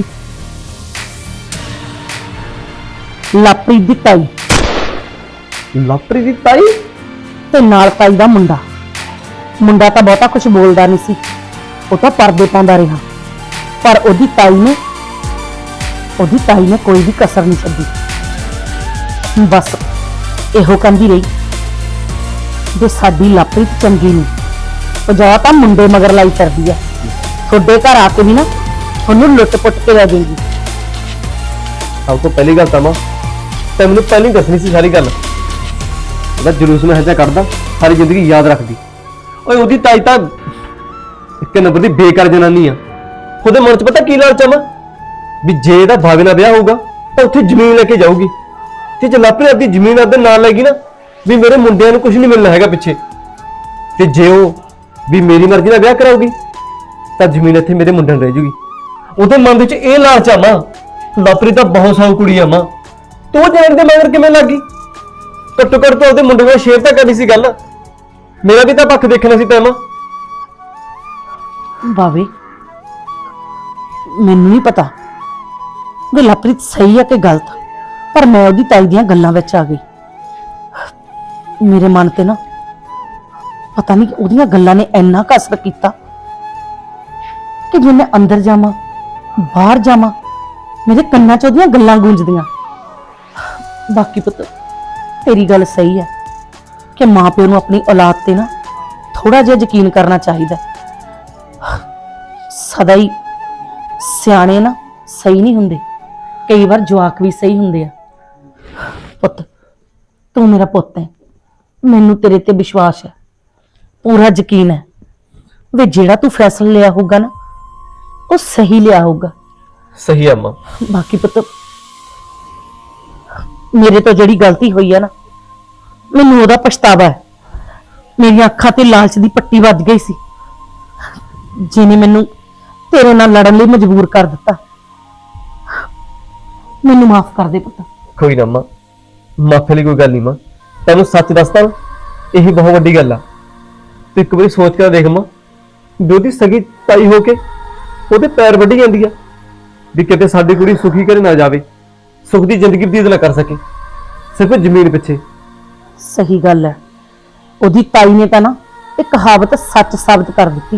ਲਵਪ੍ਰੀਤ ਦੀ ਤਾਈ
ਲਵਪ੍ਰੀਤ ਦੀ ਤਾਈ?
ਤੇ ਨਾਲ ਤਾਈ ਦਾ ਮੁੰਡਾ। ਮੁੰਡਾ ਤਾਂ ਬਹੁਤਾ ਕੁਝ ਬੋਲਦਾ ਨਹੀਂ ਸੀ, ਉਹ ਤਾਂ ਪਰਦੇ ਪਾਉਂਦਾ ਰਿਹਾ, ਪਰ ਉਹਦੀ ਤਾਈ ਨੇ ਉਹਦੀ ਤਾਈ ਨੇ ਕੋਈ ਵੀ ਕਸਰ ਨਹੀਂ ਛੱਡੀ। ਬਸ ਇਹੋ ਕਹਿੰਦੀ ਰਹੀ ਜੇ ਸਾਡੀ ਲਵਪ੍ਰੀਤ ਚੰਗੀ ਨਹੀਂ, ਪੰਜਾਹ ਤਾਂ ਮੁੰਡੇ ਮਗਰ ਲਾਈ ਫਿਰਦੀ ਆ, ਤੁਹਾਡੇ ਘਰ ਆ ਕੇ ਵੀ ਨਾ ਉਹਨੂੰ ਲੁੱਟ ਪੁੱਟ ਕੇ ਲੈ ਜਾਏਗੀ।
ਸਭ ਤੋਂ ਪਹਿਲੀ ਗੱਲ ਤਾਂ ਮਾਂ ਤੇ ਮੈਨੂੰ ਪਹਿਲਾਂ ਹੀ ਦੱਸਣੀ ਸੀ ਸਾਰੀ ਗੱਲ। ਉਹਦਾ ਜਲੂਸ ਮੈਂ ਹਜਾ ਕੱਢਦਾ, ਸਾਰੀ ਜ਼ਿੰਦਗੀ ਯਾਦ ਰੱਖਦੀ। ਓਏ ਉਹਦੀ ਤਾਈ ਤਾਂ ਇੱਕ ਨੰਬਰ ਦੀ ਬੇਕਾਰ ਜਨਾਨੀ ਆ। ਉਹਦੇ ਮਨ 'ਚ ਪਤਾ ਕੀ ਲਾਲਚ ਆ ਮਾਂ, ਵੀ ਜੇ ਇਹਦਾ ਭਾਵੇਂ ਨਾਲ ਵਿਆਹ ਹੋਊਗਾ ਤਾਂ ਉੱਥੇ ਜ਼ਮੀਨ ਲੈ ਕੇ ਜਾਊਗੀ, ਤੇ ਜੇ ਲਾਪਰੀ ਆਪਦੀ ਜ਼ਮੀਨ ਆਪਦੇ ਨਾਲ ਲੈ ਗਈ ਨਾ, ਵੀ ਮੇਰੇ ਮੁੰਡਿਆਂ ਨੂੰ ਕੁਝ ਨਹੀਂ ਮਿਲਣਾ ਹੈਗਾ ਪਿੱਛੇ। ਤੇ ਜੇ ਉਹ ਵੀ ਮੇਰੀ ਮਰਜ਼ੀ ਨਾਲ ਵਿਆਹ ਕਰਾਊਗੀ ਤਾਂ ਜ਼ਮੀਨ ਇੱਥੇ ਮੇਰੇ ਮੁੰਡਿਆਂ ਨੂੰ ਰਹਿ ਜੂਗੀ। ਉਹਦੇ ਮਨ ਵਿੱਚ ਇਹ ਲਾਲਚ ਆ ਮਾਂ। ਲਾਪਰੀ ਤਾਂ ਬਹੁਤ ਸਾਊ ਕੁੜੀ ਆ ਮਾਂ, ਤੂੰ ਜਾਣ ਦੇ ਮਗਰ ਕਿਵੇਂ ਲੱਗ ਗਈ? ਘੱਟੋ ਘੱਟ ਤਾਂ ਉਹਦੇ ਮੁੰਡੇ ਨਾਲ ਸ਼ੇਅਰ ਤਾਂ ਕਰਨੀ ਸੀ ਗੱਲ, ਮੇਰਾ ਵੀ ਤਾਂ ਪੱਖ ਦੇਖਣਾ ਸੀ ਤੈਨੂੰ।
ਬਾਵੇ ਮੈਨੂੰ ਨਹੀਂ ਪਤਾ ਕਿ ਲਵਪ੍ਰੀਤ ਸਹੀ ਹੈ ਕਿ ਗਲਤ, ਪਰ ਮੈਂ ਉਹਦੀ ਤਾਈ ਦੀਆਂ ਗੱਲਾਂ ਵਿੱਚ ਆ ਗਈ। ਮੇਰੇ ਮਨ ਤੇ ਨਾ ਪਤਾ ਨਹੀਂ ਉਹਦੀਆਂ ਗੱਲਾਂ ਨੇ ਇੰਨਾ ਕੁ ਅਸਰ ਕੀਤਾ ਕਿ ਜੇ ਮੈਂ ਅੰਦਰ ਜਾਵਾਂ ਬਾਹਰ ਜਾਵਾਂ ਮੇਰੇ ਕੰਨਾਂ 'ਚ ਉਹਦੀਆਂ ਗੱਲਾਂ ਗੂੰਜਦੀਆਂ। ਬਾਕੀ ਪੁੱਤ ਤੇਰੀ ਗੱਲ ਸਹੀ ਹੈ ਕਿ ਮਾਂ ਪਿਓ ਨੂੰ ਆਪਣੀ ਔਲਾਦ ਤੇ ਨਾ ਥੋੜਾ ਜਿਹਾ ਯਕੀਨ ਕਰਨਾ ਚਾਹੀਦਾ। ਸਦਾ ਹੀ ਸਿਆਣੇ ਨਾ ਸਹੀ ਨਹੀਂ ਹੁੰਦੇ, ਕਈ ਵਾਰ ਜਵਾਕ ਵੀ ਸਹੀ ਹੁੰਦੇ ਆ। ਪੁੱਤ ਤੂੰ ਮੇਰਾ ਪੁੱਤ ਹੈ, ਮੈਨੂੰ ਤੇਰੇ ਤੇ ਵਿਸ਼ਵਾਸ ਹੈ, ਪੂਰਾ ਯਕੀਨ ਹੈ ਵੀ ਜਿਹੜਾ ਤੂੰ ਫੈਸਲਾ ਲਿਆ ਹੋਊਗਾ ਨਾ ਉਹ ਸਹੀ ਲਿਆ ਹੋਊਗਾ।
ਸਹੀ ਆ ਮਾਂ।
ਬਾਕੀ ਪੁੱਤ ਮੇਰੇ ਤੋਂ ਜਿਹੜੀ ਗਲਤੀ ਹੋਈ ਆ ਨਾ, ਮੈਨੂੰ ਉਹਦਾ ਪਛਤਾਵਾ ਹੈ। ਮੇਰੀਆਂ ਅੱਖਾਂ ਤੇ ਲਾਲਚ ਦੀ ਪੱਟੀ ਵੱਜ ਗਈ ਸੀ, ਜਿਹਨੇ ਮੈਨੂੰ ਤੇਰੇ ਨਾਲ ਲੜਨ ਲਈ ਮਜਬੂਰ ਕਰ ਦਿੱਤਾ। ਮੈਨੂੰ ਮਾਫ ਕਰ ਦੇ ਪੁੱਤ।
ਕੋਈ ਨਾ ਮਾਂ, ਮਾਫੀ ਲਈ ਕੋਈ ਗੱਲ ਨਹੀਂ ਮਾਂ। ਤੈਨੂੰ ਸੱਚ ਦੱਸਦਾ ਨਾ, ਇਹੀ ਬਹੁਤ ਵੱਡੀ ਗੱਲ ਆ। ਤੂੰ ਇੱਕ ਵਾਰੀ ਸੋਚ ਕੇ ਦੇਖ ਮਾਂ, ਵੀ ਉਹਦੀ ਸਗੀ ਤਾਈ ਹੋ ਕੇ ਉਹਦੇ ਪੈਰ ਵੱਢੀ ਜਾਂਦੀ ਆ, ਵੀ ਕਿਤੇ ਸਾਡੀ ਕੁੜੀ ਸੁਖੀ ਘਰੇ ਨਾ ਜਾਵੇ, ਸੁਖ ਦੀ ਜ਼ਿੰਦਗੀ ਬਤੀਤ ਨਾ ਕਰ ਸਕੇ ਸਿਰਫ ਜ਼ਮੀਨ ਪਿੱਛੇ।
ਸਹੀ ਗੱਲ ਹੈ, ਉਹਦੀ ਤਾਈ ਨੇ ਤਾਂ ਨਾ ਇਹ ਕਹਾਵਤ ਸੱਚ ਸਾਬਤ ਕਰ ਦਿੱਤੀ,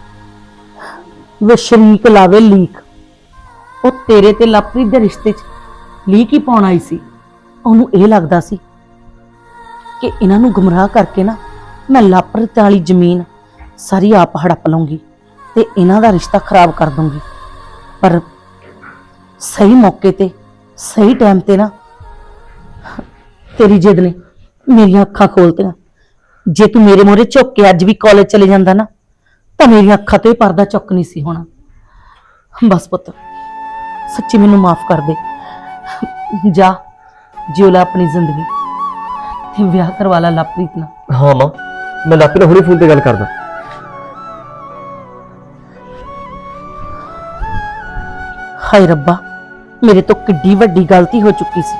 ਵੇ ਸ਼ਰੀਕ ਲਾਵੇ ਲੀਕ। ਉਹ ਤੇਰੇ ਤੇ ਲਵਪ੍ਰੀਤ ਦੇ ਰਿਸ਼ਤੇ 'ਚ ਲੀਕ ਹੀ ਪਾਉਣ ਆਈ ਸੀ। ਉਹਨੂੰ ਇਹ ਲੱਗਦਾ ਸੀ ਕਿ ਇਹਨਾਂ ਨੂੰ ਗੁੰਮਰਾਹ ਕਰਕੇ ਨਾ ਮੈਂ ਲਵਪ੍ਰੀਤ ਵਾਲੀ ਜ਼ਮੀਨ ਸਾਰੀ ਆਪ ਹੜੱਪ ਲਵਾਂਗੀ ਤੇ ਇਹਨਾਂ ਦਾ ਰਿਸ਼ਤਾ ਖਰਾਬ ਕਰ ਦੂੰਗੀ। ਪਰ ਸਹੀ ਮੌਕੇ ਤੇ ਸਹੀ ਟਾਈਮ ਤੇ ਨਾ ਤੇਰੀ ਜਿੱਦ ਨੇ ਮੇਰੀਆਂ ਅੱਖਾਂ ਖੋਲਤੀਆਂ। ਜੇ ਤੂੰ ਮੇਰੇ ਮੂਹਰੇ ਝੁੱਕ ਕੇ ਅੱਜ ਵੀ ਕਾਲਜ ਚਲੇ ਜਾਂਦਾ ਨਾ ਤਾਂ ਮੇਰੀਆਂ ਅੱਖਾਂ ਤੋਂ ਇਹ ਪਰਦਾ ਚੁੱਕ ਨਹੀਂ ਸੀ ਹੋਣਾ। ਬਸ ਪੁੱਤ ਸੱਚੀ ਮੈਨੂੰ ਮਾਫ ਕਰ ਦੇ, ਜਾ ਜਿਉ ਲੈ ਆਪਣੀ ਜ਼ਿੰਦਗੀ ਤੇ ਵਿਆਹ ਕਰਵਾ ਲਾ ਲਵਪ੍ਰੀਤ ਨਾਲ।
ਹਾਂ ਮਾਂ, ਮੈਂ ਲਾਪਰੀ ਨਾਲ ਹੁਣੇ ਫੋਨ ਤੇ ਗੱਲ ਕਰਦਾ।
ਹਾਏ ਰੱਬਾ, ਮੇਰੇ ਤੋਂ ਕਿੱਡੀ ਵੱਡੀ ਗਲਤੀ ਹੋ ਚੁੱਕੀ ਸੀ।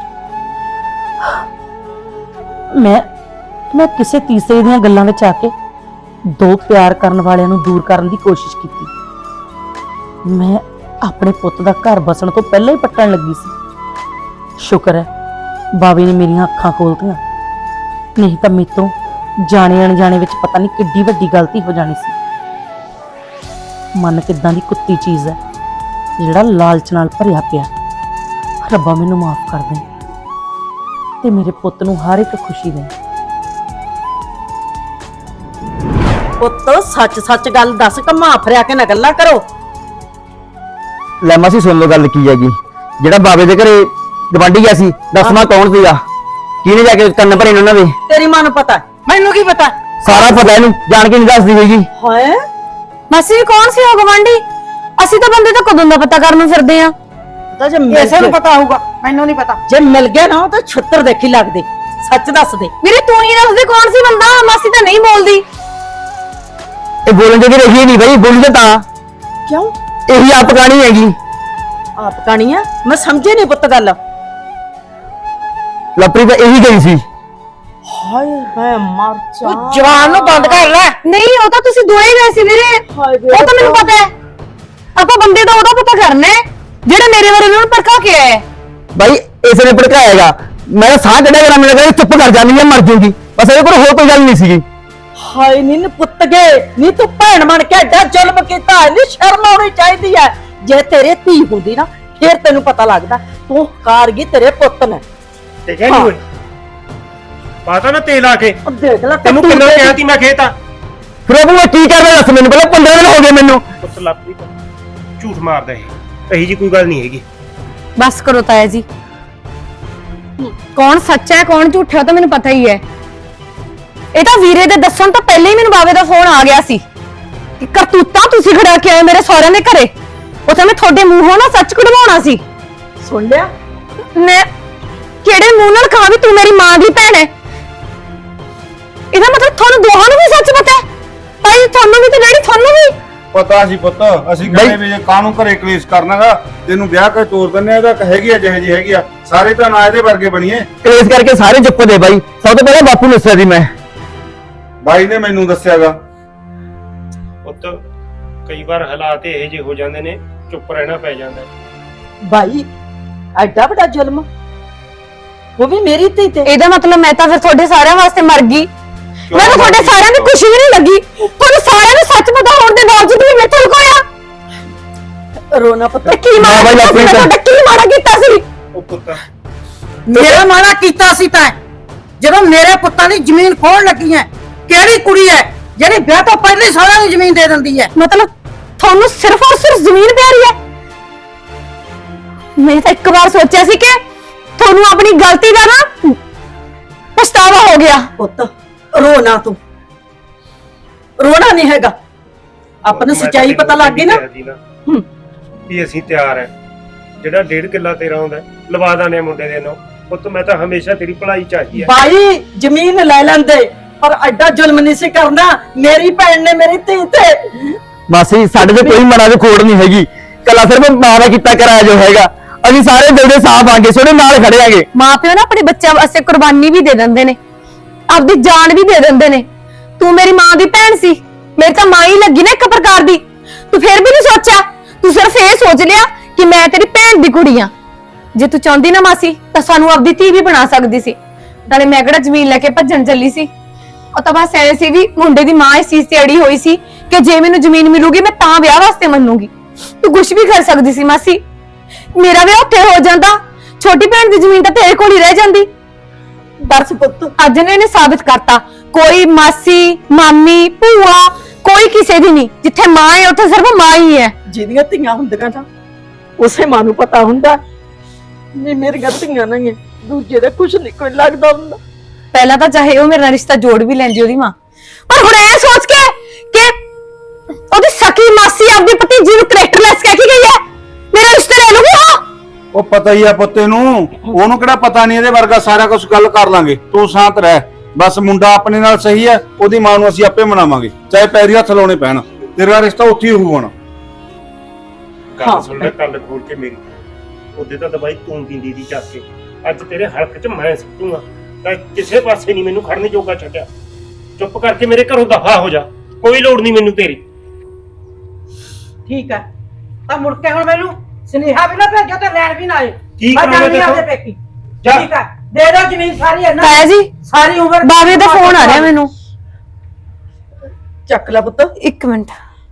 ਮੈਂ ਮੈਂ ਕਿਸੇ ਤੀਸਰੇ ਦੀਆਂ ਗੱਲਾਂ ਵਿੱਚ ਆ ਕੇ ਦੋ ਪਿਆਰ ਕਰਨ ਵਾਲਿਆਂ ਨੂੰ ਦੂਰ ਕਰਨ ਦੀ ਕੋਸ਼ਿਸ਼ ਕੀਤੀ। ਮੈਂ ਆਪਣੇ ਪੁੱਤ ਦਾ ਘਰ ਬਸਣ ਤੋਂ ਪਹਿਲਾਂ ਹੀ ਪੱਟਣ ਲੱਗੀ ਸੀ। ਸ਼ੁਕਰ ਹੈ ਬਾਵੇ ਨੇ ਮੇਰੀਆਂ ਅੱਖਾਂ ਖੋਲਤੀਆਂ, ਨਹੀਂ ਤਾਂ ਮੇਰੇ ਤੋਂ ਜਾਣੇ ਅਣਜਾਣੇ ਵਿੱਚ ਪਤਾ ਨਹੀਂ ਕਿੱਡੀ ਵੱਡੀ ਗਲਤੀ ਹੋ ਜਾਣੀ ਸੀ। ਮਨ ਕਿੱਦਾਂ ਦੀ ਕੁੱਤੀ ਚੀਜ਼ ਹੈ ਜਿਹੜਾ ਲਾਲਚ ਨਾਲ ਭਰਿਆ ਪਿਆ। ਰੱਬਾ ਮੈਨੂੰ ਮਾਫ ਕਰ ਦੇ ਤੇ ਮੇਰੇ ਪੁੱਤ ਨੂੰ ਹਰ ਇੱਕ ਖੁਸ਼ੀ ਦੇ। ਪੁੱਤ ਸੱਚ ਸੱਚ ਗੱਲ ਦੱਸ, ਕਮਾ ਫਰਿਆ ਕੇ ਨਾ ਗੱਲਾਂ ਕਰੋ।
ਲੈ ਮਾਸੀ ਸੁਣ ਲਓ ਗੱਲ ਕੀ ਹੈਗੀ। ਜਿਹੜਾ ਬਾਬੇ ਦੇ ਘਰੇ ਗਵਾਂਢੀ ਗਿਆ ਸੀ, ਦੱਸਣਾ ਕੌਣ ਸੀਗਾ, ਕਿਹਨੇ ਜਾ ਕੇ ਕੰਨ ਭਰੇ ਨੇ ਉਹਨਾਂ ਦੇ?
ਤੇਰੀ ਮਾਂ ਨੂੰ ਪਤਾ, ਮੈਨੂੰ ਕੀ ਪਤਾ?
ਸਾਰਾ ਪਤਾ ਇਹਨੂੰ, ਜਾਣ ਕੇ ਨਹੀਂ ਦੱਸਦੀ ਹੋਈ ਜੀ।
ਹਾਏ ਮਾਸੀ ਕੌਣ ਸੀ ਉਹ ਗਵਾਂਢੀ? ਅਸੀਂ ਤਾਂ ਬੰਦੇ ਤਾਂ ਕਦੋਂ ਦਾ ਪਤਾ ਕਰਨ ਨੂੰ ਫਿਰਦੇ ਆ। ਤਾਂ ਜੇ
ਕਿਸੇ ਨੂੰ ਪਤਾ ਹੋਊਗਾ, ਮੈਨੂੰ ਨਹੀਂ ਪਤਾ।
ਜੇ ਮਿਲ ਗਿਆ ਨਾ ਤਾਂ ਛੁੱਤਰ ਦੇਖੀ ਲੱਗਦੇ। ਸੱਚ ਦੱਸ ਦੇ ਵੀਰੇ, ਤੂੰ ਹੀ ਦੱਸ ਦੇ ਕੌਣ ਸੀ ਬੰਦਾ। ਮਾਸੀ ਤਾਂ ਨਹੀਂ ਬੋਲਦੀ।
ਇਹ ਬੋਲਣ ਜੋਗੀ ਰਹੀ ਨਹੀਂ ਬਈ, ਬੋਲੀ ਤਾਂ
ਕਿਉਂ?
ਇਹੀ ਆਪ ਕਹਾਣੀ ਹੈਗੀ।
ਆਪ ਕਹਾਣੀ ਆ? ਮੈਂ ਸਮਝੇ ਨਹੀਂ ਪੁੱਤ ਗੱਲ।
ਲਵਪ੍ਰੀਤ ਤਾਂ ਇਹੀ ਗਈ ਸੀ।
ਹਾਏ ਮੈਂ ਮਰ ਜਾ
ਜਵਾਨ ਨੂੰ ਬੰਦ ਕਰ ਲੈ।
ਨਹੀਂ ਉਹ ਤਾਂ ਤੁਸੀਂ ਦੋਏ ਗਏ ਸੀ ਵੀਰੇ,
ਹਾਏ ਵੇ
ਉਹ ਤਾਂ ਮੈਨੂੰ ਪਤਾ ਹੈ। ਆਪਾਂ ਬੰਦੇ ਦਾ ਉਹਦਾ ਪਤਾ ਕਰਨਾ ਹੈ ਜਿਹੜਾ ਮੇਰੇ ਬਾਰੇ ਉਹਨਾਂ ਨੂੰ ਭੜਕਾ ਕੇ ਆਇਆ ਹੈ।
ਬਾਈ ਇਸੇ ਨੇ ਭੜਕਾਏਗਾ, ਮੈਂ ਸਾਹ ਕੱਢਿਆ ਕਰਾਂ, ਮੇਰੇ ਕਹਿੰਦਾ ਚੁੱਪ ਕਰ ਜਾਂਦੀ ਆ, ਮਰ ਜੂਗੀ, ਬਸ ਇਹਦੇ ਕੋਲ ਹੋਰ ਕੋਈ ਗੱਲ ਨਹੀਂ ਸੀਗੀ।
ਹਾਏ ਨੀ ਨੀ ਪੁੱਤ ਗਏ ਨੀ ਤੂੰ ਭੈਣ ਬਣ ਕੇ ਐਡਾ ਜ਼ੁਲਮ ਕੀਤਾ ਨੀ ਸ਼ਰਮ ਆਉਣੀ ਚਾਹੀਦੀ ਹੈ। ਜੇ ਤੇਰੇ ਧੀ ਹੁੰਦੀ ਨਾ ਫੇਰ ਤੈਨੂੰ ਪਤਾ ਲੱਗਦਾ। ਤੂੰ ਕਾਰ ਗਈ ਤੇਰੇ ਪੁੱਤ ਨੇ।
ਤੇ ਕਹਿੰਦੀ ਓਏ ਪਾਤਾ ਨਾ ਤੇਲ ਆ ਕੇ,
ਉਹ ਦੇਖ ਲੈ
ਤੈਨੂੰ ਕਿੰਨਾ ਕਿਹਾ ਤੀ ਮੈਂ ਖੇਤ ਆ।
ਫਿਰ ਉਹ ਮੈਂ ਕੀ ਕਰਦਾ ਦੱਸ ਮੈਨੂੰ, ਪਹਿਲਾਂ ਪੰਦਰਾਂ ਦਿਨ ਹੋ ਗਏ ਮੈਨੂੰ।
ਪੁੱਤ ਲਾਪਰੀ ਝੂਠ ਮਾਰਦਾ ਇਹ, ਇਹੀ ਜੀ ਕੋਈ ਗੱਲ ਨਹੀਂ ਹੈਗੀ।
ਬਸ ਕਰੋ ਤਾਇਆ ਜੀ, ਕੌਣ ਸੱਚਾ ਹੈ ਕੌਣ ਝੂਠਾ ਤਾਂ ਮੈਨੂੰ ਪਤਾ ਹੀ ਹੈ। ਇਹ ਤਾਂ ਵੀਰੇ ਦੇ ਦੱਸਣ ਤੋਂ ਪਹਿਲਾਂ ਹੀ ਮੈਨੂੰ ਬਾਵੇ ਦਾ ਫੋਨ ਆ ਗਿਆ ਸੀ ਕਿ ਕਰਤੂਤਾਂ ਤੁਸੀਂ ਖੜਾ ਕੇ ਆਏ ਮੇਰੇ ਸਹੁਰਿਆਂ ਦੇ ਘਰੇ, ਉੱਥੇ ਮੈਂ ਤੁਹਾਡੇ ਮੂੰਹੋਂ ਨਾ ਸੱਚ ਕਢਵਾਉਣਾ ਸੀ।
ਸੁਣ ਲਿਆ
ਮੈਂ ਕਿਹੜੇ ਮੂੰਹ ਨਾਲ ਕਹਾਂ ਵੀ ਤੂੰ ਮੇਰੀ ਮਾਂ ਦੀ ਭੈਣ ਹੈ? ਇਹਦਾ ਮਤਲਬ ਤੁਹਾਨੂੰ ਦੋਹਾਂ ਨੂੰ ਵੀ ਸੱਚ ਪਤਾ ਹੈ? ਭਾਈ ਤੁਹਾਨੂੰ ਵੀ ਤੇ ਡੈਡੀ ਤੁਹਾਨੂੰ ਵੀ
ਪਤਾ ਸੀ ਪੁੱਤ, ਅਸੀਂ ਕਹਿੰਦੇ ਵੀ ਜੇ ਕਾਹਨੂੰ ਘਰੇ ਕਲੇਸ਼ ਕਰਨਾਗਾ, ਤੈਨੂੰ ਵਿਆਹ ਕੇ ਤੋਰ ਦਿੰਨੇ ਆ, ਇਹਦਾ ਹੈਗੀ ਆ ਜਿਹੇ ਜੀ ਹੈਗੀ ਆ, ਸਾਰੇ ਤਾਂ ਨਾ ਇਹਦੇ ਵਰਗੇ ਬਣੀਏ।
ਇਸ ਕਰਕੇ ਸਾਰੇ ਚੁੱਪ ਦੇ ਬਾਈ, ਸਭ ਤੋਂ ਪਹਿਲਾਂ ਬਾਪੂ ਨੂੰ ਦੱਸਿਆ ਸੀ ਮੈਂ।
ਬਾਈ ਨੇ ਮੈਨੂੰ ਦੱਸਿਆਗਾ।
ਪੁੱਤ ਕਈ ਵਾਰ ਹਾਲਾਤ ਇਹੋ ਜਿਹੇ ਹੋ ਜਾਂਦੇ ਨੇ, ਚੁੱਪ ਰਹਿਣਾ ਪੈ ਜਾਂਦਾ।
ਭਾਈ ਐਡਾ ਵੱਡਾ ਜ਼ੁਲਮ, ਉਹ ਵੀ ਮੇਰੀ ਧੀ ਤੇ।
ਇਹਦਾ ਮਤਲਬ ਮੈਂ ਤਾਂ ਫਿਰ ਤੁਹਾਡੇ ਸਾਰਿਆਂ ਵਾਸਤੇ ਮਰ ਗਈ। ਮੈਨੂੰ ਤੁਹਾਡੇ ਸਾਰਿਆਂ ਦੀ ਖੁਸ਼ੀ ਵੀ ਨਹੀਂ ਲੱਗੀ। ਤੁਹਾਨੂੰ ਸਾਰਿਆਂ ਨੂੰ ਸੱਚ ਪਤਾ ਹੋਣ ਦੇ ਬਾਵਜੂਦ ਵੀ ਮੈਥੋਂ ਲੁਕਾਇਆ।
ਰੋਣਾ ਪੁੱਤ
ਤੇ ਕੀ ਮਾੜਾ ਕੀਤਾ ਸੀ? ਮੈਂ ਤੁਹਾਡਾ ਕੀ ਮਾੜਾ ਕੀਤਾ ਸੀ?
ਉਹ ਪੁੱਤ
ਮੇਰਾ ਮਾੜਾ ਕੀਤਾ ਸੀ ਤਾਂ ਜਦੋਂ ਮੇਰੇ ਪੁੱਤਾਂ ਦੀ ਜ਼ਮੀਨ ਖੋਣ ਲੱਗੀ ਹੈ। ਕਿਹੜੀ ਕੁੜੀ ਹੈ ਜਿਹੜੀ ਵਿਆਹ ਤੋਂ ਪਹਿਲਾਂ ਹੀ ਸਾਰਿਆਂ ਨੂੰ ਜ਼ਮੀਨ ਦੇ ਦਿੰਦੀ ਹੈ?
ਮਤਲਬ ਤੁਹਾਨੂੰ ਸਿਰਫ ਔਰ ਸਿਰਫ ਜ਼ਮੀਨ ਪਿਆਰੀ ਹੈ? ਮੈਂ ਤਾਂ ਇੱਕ ਵਾਰ ਸੋਚਿਆ ਸੀ ਕਿ ਤੁਹਾਨੂੰ ਆਪਣੀ ਗਲਤੀ ਦਾ ਨਾ ਪਛਤਾਵਾ ਹੋ ਗਿਆ।
ਪੁੱਤ ਰੋਣਾ ਤੂੰ, ਰੋਣਾ ਨਹੀਂ ਹੈਗਾ। ਆਪਾਂ ਨੂੰ ਸੱਚਾਈ ਪਤਾ ਲੱਗ ਗਈ ਨਾ।
ਹੂੰ ਵੀ ਅਸੀਂ ਤਿਆਰ ਹੈ, ਜਿਹੜਾ ਡੇਢ ਕਿੱਲਾ ਤੇਰਾ ਆਉਂਦਾ ਲਵਾ ਦਾਨੇ ਮੁੰਡੇ ਦੇ ਨਾਲ। ਪੁੱਤ ਮੈਂ ਤਾਂ ਹਮੇਸ਼ਾ ਤੇਰੀ ਭਲਾਈ ਚਾਹੀ ਹੈ।
ਬਾਈ ਜ਼ਮੀਨ ਲੈ ਲੈਂਦੇ ਪਰ ਐਡਾ ਜ਼ੁਲਮ ਨਹੀਂ ਸੀ ਕਰਨਾ। ਮੇਰੀ ਭੈਣ ਨੇ ਮੇਰੀ ਧੀ ਤੇ।
ਮਾਸੀ ਸਾਡੇ ਤੇ ਕੋਈ ਮਨਾਂ ਦੀ ਖੋੜ ਨਹੀਂ ਹੈਗੀ, ਕੱਲਾ ਸਿਰਫ ਮਾਂ ਦਾ ਕੀਤਾ ਕਰਾਇਆ ਜੋ ਹੈਗਾ। ਅਸੀਂ ਸਾਰੇ ਦਿਲ ਦੇ ਸਾਫ਼ ਆਂਗੇ, ਸੋਹਣੇ ਨਾਲ ਖੜੇ ਆਂਗੇ।
ਮਾਪਿਓ ਨਾ ਆਪਣੇ ਬੱਚਿਆਂ ਵਾਸਤੇ ਕੁਰਬਾਨੀ ਵੀ ਦੇ ਦਿੰਦੇ ਨੇ, ਆਪਦੀ ਜਾਨ ਵੀ ਦੇ ਦਿੰਦੇ ਨੇ। ਤੂੰ ਮੇਰੀ ਮਾਂ ਦੀ ਭੈਣ ਸੀ, ਮੇਰੀ ਤਾਂ ਮਾਂ ਹੀ ਲੱਗੀ ਨਾ ਇੱਕ ਪ੍ਰਕਾਰ ਦੀ। ਤੂੰ ਫੇਰ ਵੀ ਨਹੀਂ ਸੋਚਿਆ, ਤੂੰ ਸਿਰਫ ਇਹ ਸੋਚ ਲਿਆ ਕਿ ਮੈਂ ਤੇਰੀ ਭੈਣ ਦੀ ਕੁੜੀ ਆ। ਜੇ ਤੂੰ ਚਾਹੁੰਦੀ ਨਾ ਮਾਸੀ ਤਾਂ ਸਾਨੂੰ ਆਪਦੀ ਧੀ ਵੀ ਬਣਾ ਸਕਦੀ ਸੀ। ਨਾਲੇ ਮੈਂ ਕਿਹੜਾ ਜ਼ਮੀਨ ਲੈ ਕੇ ਭੱਜਣ ਚੱਲੀ ਸੀ। ਉਹ ਤਾਂ ਬਸ ਐ ਸੀ ਵੀ ਮੁੰਡੇ ਦੀ ਮਾਂ ਇਸ ਚੀਜ਼ ਤੇ ਅੜੀ ਹੋਈ ਸੀ ਕਿ ਜੇ ਮੈਨੂੰ ਜ਼ਮੀਨ ਮਿਲੂਗੀ ਮੈਂ ਤਾਂ ਵਿਆਹ ਵਾਸਤੇ ਮੰਨੂਗੀ। ਤੂੰ ਕੁਝ ਵੀ ਕਰ ਸਕਦੀ ਸੀ ਮਾਸੀ, ਮੇਰਾ ਵਿਆਹ ਉੱਥੇ ਹੋ ਜਾਂਦਾ, ਛੋਟੀ ਭੈਣ ਦੀ ਜ਼ਮੀਨ ਤਾਂ ਤੇਰੇ ਕੋਲ ਹੀ ਰਹਿ ਜਾਂਦੀ।
ਬਸ ਪੁੱਤ
ਅੱਜ ਨੇ ਇਹਨੇ ਸਾਬਿਤ ਕਰਤਾ ਕੋਈ ਮਾਸੀ ਮਾਮੀ ਭੂਆ ਕੋਈ ਕਿਸੇ ਦੀ ਨਹੀਂ। ਜਿੱਥੇ ਮਾਂ ਹੈ ਉੱਥੇ ਸਿਰਫ ਮਾਂ ਹੀ ਹੈ।
ਜਿਹਦੀਆਂ ਧੀਆਂ ਹੁੰਦੀਆਂ ਨਾ ਉਸੇ ਮਾਂ ਨੂੰ ਪਤਾ ਹੁੰਦਾ ਵੀ ਮੇਰੀਆਂ ਧੀਆਂ ਨਹੀਂ ਹੈ, ਦੂਜੇ ਦਾ ਕੁਝ ਨਹੀਂ ਕੋਈ ਲੱਗਦਾ ਹੁੰਦਾ।
ਪਹਿਲਾਂ ਤਾਂ ਚਾਹੇ ਉਹ ਮੇਰੇ ਨਾਲ ਰਿਸ਼ਤਾ ਜੋੜ ਵੀ ਲੈਂਦੀ ਉਹਦੀ ਮਾਂ, ਪਰ ਹੁਣ ਇਹ ਸੋਚ ਕੇ ਕਿ ਉਹਦੀ ਸਕੀ ਮਾਸੀ ਆਪਦੀ ਭਤੀਜੀ ਨੂੰ ਕਰੈਕਟਰਲੈਸ ਕਹਿ ਕੇ ਗਈ ਹੈ, ਮੇਰਾ ਰਿਸ਼ਤਾ ਲੈ ਲੂਗੀ। ਹਾਂ
ਉਹ ਪਤਾ ਹੀ ਆ ਪੁੱਤੇ ਨੂੰ, ਉਹਨੂੰ ਕਿਹੜਾ ਪਤਾ ਨਹੀਂ ਇਹਦੇ ਵਰਗਾ, ਸਾਰਾ ਕੁਝ ਗੱਲ ਕਰ ਲਾਂਗੇ। ਤੂੰ ਸ਼ਾਂਤ ਰਹਿ, ਬਸ ਮੁੰਡਾ ਆਪਣੇ ਨਾਲ ਸਹੀ ਹੈ, ਉਹਦੀ ਮਾਂ ਨੂੰ ਅਸੀਂ ਆਪੇ ਮਨਾਵਾਂਗੇ, ਚਾਹੇ ਪੈਰੀ ਹੱਥ ਲਾਉਣੇ ਪੈਣ। ਤੇਰਾ ਰਿਸ਼ਤਾ ਉੱਥੇ ਹੀ ਹੋਊਗਾ।
ਗੱਲ ਸੁਣ ਲੈ ਕੱਲ ਖੋਲ ਕੇ ਮੇਰੀ। ਉਹਦੇ ਤਾਂ ਦਵਾਈ ਤੂੰ ਪੀਂਦੀ ਦੀ ਚੱਕ ਕੇ, ਅੱਜ ਤੇਰੇ ਹਲਕ 'ਚ ਮੈਂ ਸਿੱਟੂਗਾ ਤਾਂ ਕਿਸੇ ਪਾਸੇ ਨਹੀਂ ਮੈਨੂੰ ਖੜਨ ਜੋਗਾ ਛੱਡਿਆ। ਚੁੱਪ ਕਰਕੇ ਮੇਰੇ ਘਰੋਂ ਦਫਾ ਹੋ ਜਾ, ਕੋਈ ਲੋੜ ਨਹੀਂ ਮੈਨੂੰ ਤੇਰੀ।
ਠੀਕ ਹੈ ਤਾਂ ਮੁੜ ਕੇ ਹੁਣ ਮੈਨੂੰ ਸੁਨੇਹਾ ਵੀ ਨਾ ਭੇਜੋ ਤੇ ਲੈਣ ਵੀ ਨਾ ਆਏ।
ਕੀ
ਮੈਂ
ਕਰਾਂਗੇ
ਜਾਣੀ ਆਪਦੇ
ਦੇਖੋ?
ਪੇਕੀ।
ਜਾ।
ਠੀਕ ਹੈ ਦੇ ਦੋ ਜ਼ਮੀਨ ਸਾਰੀ ਹੈ ਨਾ
ਤਾਇਆ ਜੀ
ਸਾਰੀ ਉਮਰ।
ਬਾਵੇ ਦਾ ਫੋਨ ਆ ਰਿਹਾ ਮੈਨੂੰ।
ਚੱਕ ਲੈ ਪੁੱਤ।
ਇੱਕ ਮਿੰਟ।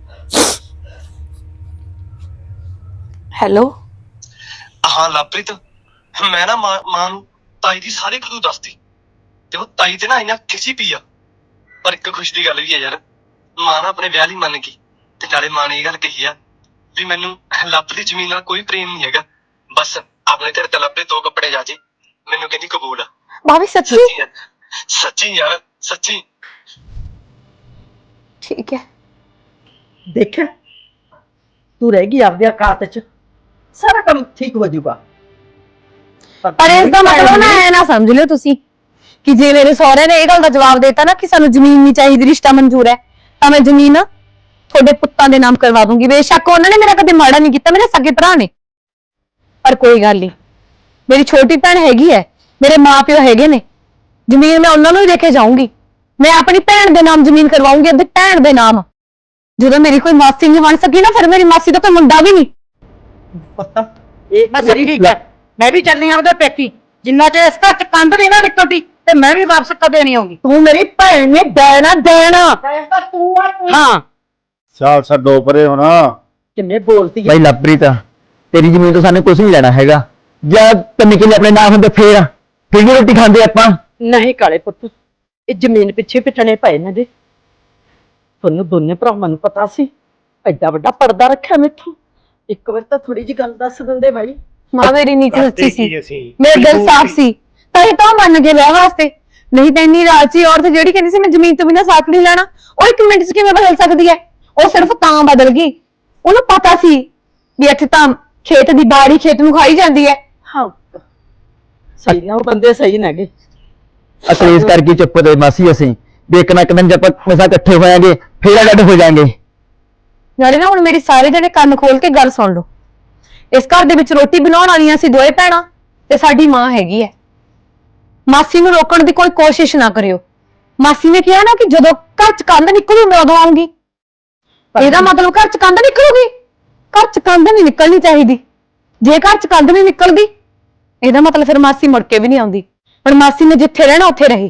ਹੈਲੋ
ਹਾਂ ਲਵਪ੍ਰੀਤ, ਮੈਂ ਨਾ ਮਾਂ ਮਾਂ ਨੂੰ ਤਾਈ ਦੀ ਸਾਰੀ ਕਦੂ ਦੱਸਦੀ ਤੇ ਉਹ ਤਾਈ ਤੇ ਨਾ ਇੰਨਾ ਖਿਜੀ ਪਈ ਆ। ਪਰ ਇੱਕ ਖੁਸ਼ ਦੀ ਗੱਲ ਵੀ ਹੈ ਯਾਰ, ਮਾਂ ਨਾ ਆਪਣੇ ਵਿਆਹ ਲਈ ਮੰਨ ਗਈ ਤੇ ਨਾਲੇ ਮਾਂ ਨੇ ਇਹ ਗੱਲ ਕਹੀ ਆ ਵੀ ਮੈਨੂੰ ਲੱਭ ਦੀ ਜ਼ਮੀਨ ਨਾਲ ਕੋਈ ਪ੍ਰੇਮ ਨਹੀਂ ਹੈਗਾ, ਬਸ ਆਪਣੇ ਤੇਰੇ ਤੇ ਲੱਭੇ ਦੋ ਕੱਪੜੇ ਜਾ ਜੇ, ਮੈਨੂੰ ਕਹਿੰਦੀ ਕਬੂਲ ਆ।
ਬਾਵੇ ਸੱਚੀ?
ਸੱਚੀ ਯਾਰ, ਸੱਚੀ ਯਾਰ ਸੱਚੀ।
ਠੀਕ ਹੈ
ਦੇਖਿਆ ਤੂੰ ਰਹਿ ਗਈ ਆਪਦੇ ਔਕਾਤ 'ਚ, ਸਾਰਾ ਕੰਮ ਠੀਕ ਹੋ ਜਾਊਗਾ।
ਪਰ ਇਸ ਦਾ ਮਤਲਬ ਨਾ ਐ ਨਾ ਸਮਝ ਲਿਓ ਤੁਸੀਂ ਕਿ ਜੇ ਮੇਰੇ ਸਹੁਰੇ ਨੇ ਇਹ ਗੱਲ ਦਾ ਜਵਾਬ ਦੇਤਾ ਨਾ ਕਿ ਸਾਨੂੰ ਜ਼ਮੀਨ ਨਹੀਂ ਚਾਹੀਦੀ, ਰਿਸ਼ਤਾ ਮਨਜ਼ੂਰ ਹੈ, ਤਾਂ ਮੈਂ ਜ਼ਮੀਨ ਤੁਹਾਡੇ ਪੁੱਤਾਂ ਦੇ ਨਾਮ ਕਰਵਾ ਦੂੰਗੀ। ਬੇਸ਼ੱਕ ਉਹਨਾਂ ਨੇ ਮੇਰਾ ਕਦੇ ਮਾੜਾ ਨਹੀਂ ਕੀਤਾ, ਮੇਰੇ ਸਕੇ ਭਰਾ ਨੇ, ਪਰ ਕੋਈ ਗੱਲ ਨਹੀਂ, ਮੇਰੀ ਛੋਟੀ ਭੈਣ ਹੈਗੀ ਹੈ, ਮੇਰੇ ਮਾਪਿਓ ਹੈਗੇ ਨੇ,
ਜ਼ਮੀਨ ਮੈਂ ਉਹਨਾਂ ਨੂੰ ਹੀ ਦੇ ਕੇ ਜਾਊਂਗੀ। ਮੈਂ ਆਪਣੀ ਭੈਣ ਦੇ ਨਾਮ ਜ਼ਮੀਨ ਕਰਵਾਉਂਗੀ, ਆਪਣੀ ਭੈਣ ਦੇ ਨਾਮ। ਜਦੋਂ ਮੇਰੀ ਕੋਈ ਮਾਸੀ ਨਹੀਂ ਬਣ ਸਕੀ ਨਾ, ਫਿਰ ਮੇਰੀ ਮਾਸੀ ਦਾ ਕੋਈ ਮੁੰਡਾ ਵੀ ਨਹੀਂ।
ਪੁੱਤ ਇਹ ਬਸ ਠੀਕ ਹੈ, ਮੈਂ ਵੀ ਚੱਲਣੀ ਆ ਉਹਦੇ ਪੇਕੀ। ਜਿੰਨਾ ਚਿਰ ਇਸ ਘਰ ਚ ਕੰਧ ਨਹੀਂ ਨਾ ਨਿਕਲਦੀ ਤੇ ਮੈਂ ਵੀ ਵਾਪਸ ਕਦੇ ਨਹੀਂ ਆਉਂਗੀ।
ਤੂੰ ਮੇਰੀ ਭੈਣ ਨੇ ਦੇਣਾ ਦੇਣਾ।
ਤੂੰ ਆ ਤੂੰ।
ਹਾਂ
ਸਾਲ ਛੱਡੋ ਪਰੇ ਹੁਣ।
ਕਿੰਨੇ ਬੋਲਦੀ ਹੈ।
ਬਾਈ ਲਵਪ੍ਰੀਤ, ਤੇਰੀ ਜ਼ਮੀਨ ਤੋਂ ਸਾਨੂੰ ਕੁਝ ਨਹੀਂ ਲੈਣਾ ਹੈਗਾ। ਜਾਂ ਤਿੰਨ ਕਿੱਲੇ ਆਪਣੇ ਨਾਮ ਹੁੰਦੇ ਫੇਰ ਫਿਰ ਵੀ ਰੋਟੀ ਖਾਂਦੇ ਆਪਾਂ।
ਨਹੀਂ ਕਾਲੇ ਪੁੱਤ, ਇਹ ਜ਼ਮੀਨ ਪਿੱਛੇ ਪਿੱਟਣੇ ਪਏ ਨੇ ਦੇ। ਤੁਹਾਨੂੰ ਦੋਨੇ ਭਰਾਵਾਂ ਨੂੰ ਪਤਾ ਸੀ, ਐਡਾ ਵੱਡਾ ਪਰਦਾ ਰੱਖਿਆ ਮੈਥੋਂ। ਇੱਕ ਵਾਰ ਤਾਂ ਥੋੜੀ ਜਿਹੀ ਗੱਲ ਦੱਸ ਦਿੰਦੇ ਬਾਈ।
ਮਾਂ ਮੇਰੀ ਨੀਤ ਸੱਚੀ ਸੀ,
ਕੀ ਅਸੀਂ
ਮੇਰਾ ਦਿਲ ਸਾਫ਼ ਸੀ, ਤਾਂ ਇਹ ਤਾਂ ਮੰਨ ਕੇ ਵਿਆਹ ਵਾਸਤੇ। ਨਹੀਂ ਤਾਂ ਇੰਨੀ ਰਾਜੀ ਔਰਤ ਜਿਹੜੀ ਕਹਿੰਦੀ ਸੀ ਮੈਂ ਜ਼ਮੀਨ ਤੋਂ ਬਿਨਾਂ ਸਾਥ ਨਹੀਂ ਲੈਣਾ, ਉਹ ਇੱਕ ਮਿੰਟ 'ਚ ਕਿਵੇਂ ਬਦਲ ਸਕਦੀ ਹੈ? ਉਹ ਸਿਰਫ ਤਾਂ ਬਦਲ ਗਈ, ਉਹਨੂੰ ਪਤਾ ਸੀ ਵੀ ਇੱਥੇ ਤਾਂ ਖੇਤ ਦੀ ਬਾੜੀ ਖੇਤ ਨੂੰ ਖਾਈ ਜਾਂਦੀ ਹੈ।
ਹਾਂ ਸਹੀ ਆ, ਉਹ ਬੰਦੇ ਸਹੀ ਨੇਗੇ।
ਅਸਲ ਇਸ ਕਰਕੇ ਚੁੱਪ ਤੇ ਮਾਸੀ ਅਸੀਂ ਦੇਖਣਾ ਇੱਕ ਦਿਨ ਜਦ ਆਪਾਂ ਮਸਾ ਇਕੱਠੇ ਹੋਵਾਂਗੇ ਫੇਰ ਅੱਡ ਹੋ ਜਾਾਂਗੇ।
ਨਾਲੇ ਨਾ ਹੁਣ ਮੇਰੀ ਸਾਰੇ ਜਣੇ ਕੰਨ ਖੋਲ ਕੇ ਗੱਲ ਸੁਣ ਲਓ। ਇਸ ਘਰ ਦੇ ਵਿੱਚ ਰੋਟੀ ਬਣਾਉਣ ਵਾਲੀਆਂ ਸੀ ਦੋਏ ਭੈਣਾਂ ਤੇ ਸਾਡੀ ਮਾਂ ਹੈਗੀ ਹੈ। ਮਾਸੀ ਨੂੰ ਰੋਕਣ ਦੀ ਕੋਈ ਕੋਸ਼ਿਸ਼ ਨਾ ਕਰਿਓ। ਮਾਸੀ ਨੇ ਕਿਹਾ ਨਾ ਕਿ ਜਦੋਂ ਘਰ ਚ ਕੰਧ ਨਿਕਲੂ ਮੈਂ ਉਦੋਂ ਆਉਂਗੀ। ਇਹਦਾ ਮਤਲਬ ਘਰ ਚ ਕੰਧ ਨਿਕਲੂਗੀ? ਘਰ ਚ ਕੰਧ ਨਹੀਂ ਨਿਕਲਣੀ ਚਾਹੀਦੀ। ਜੇ ਘਰ ਚ ਕੰਧ ਨਹੀਂ ਨਿਕਲਦੀ ਇਹਦਾ ਮਤਲਬ ਫਿਰ ਮਾਸੀ ਮੁੜ ਕੇ ਵੀ ਨਹੀਂ ਆਉਂਦੀ। ਹੁਣ ਮਾਸੀ ਨੇ ਜਿੱਥੇ ਰਹਿਣਾ ਉੱਥੇ ਰਹੇ।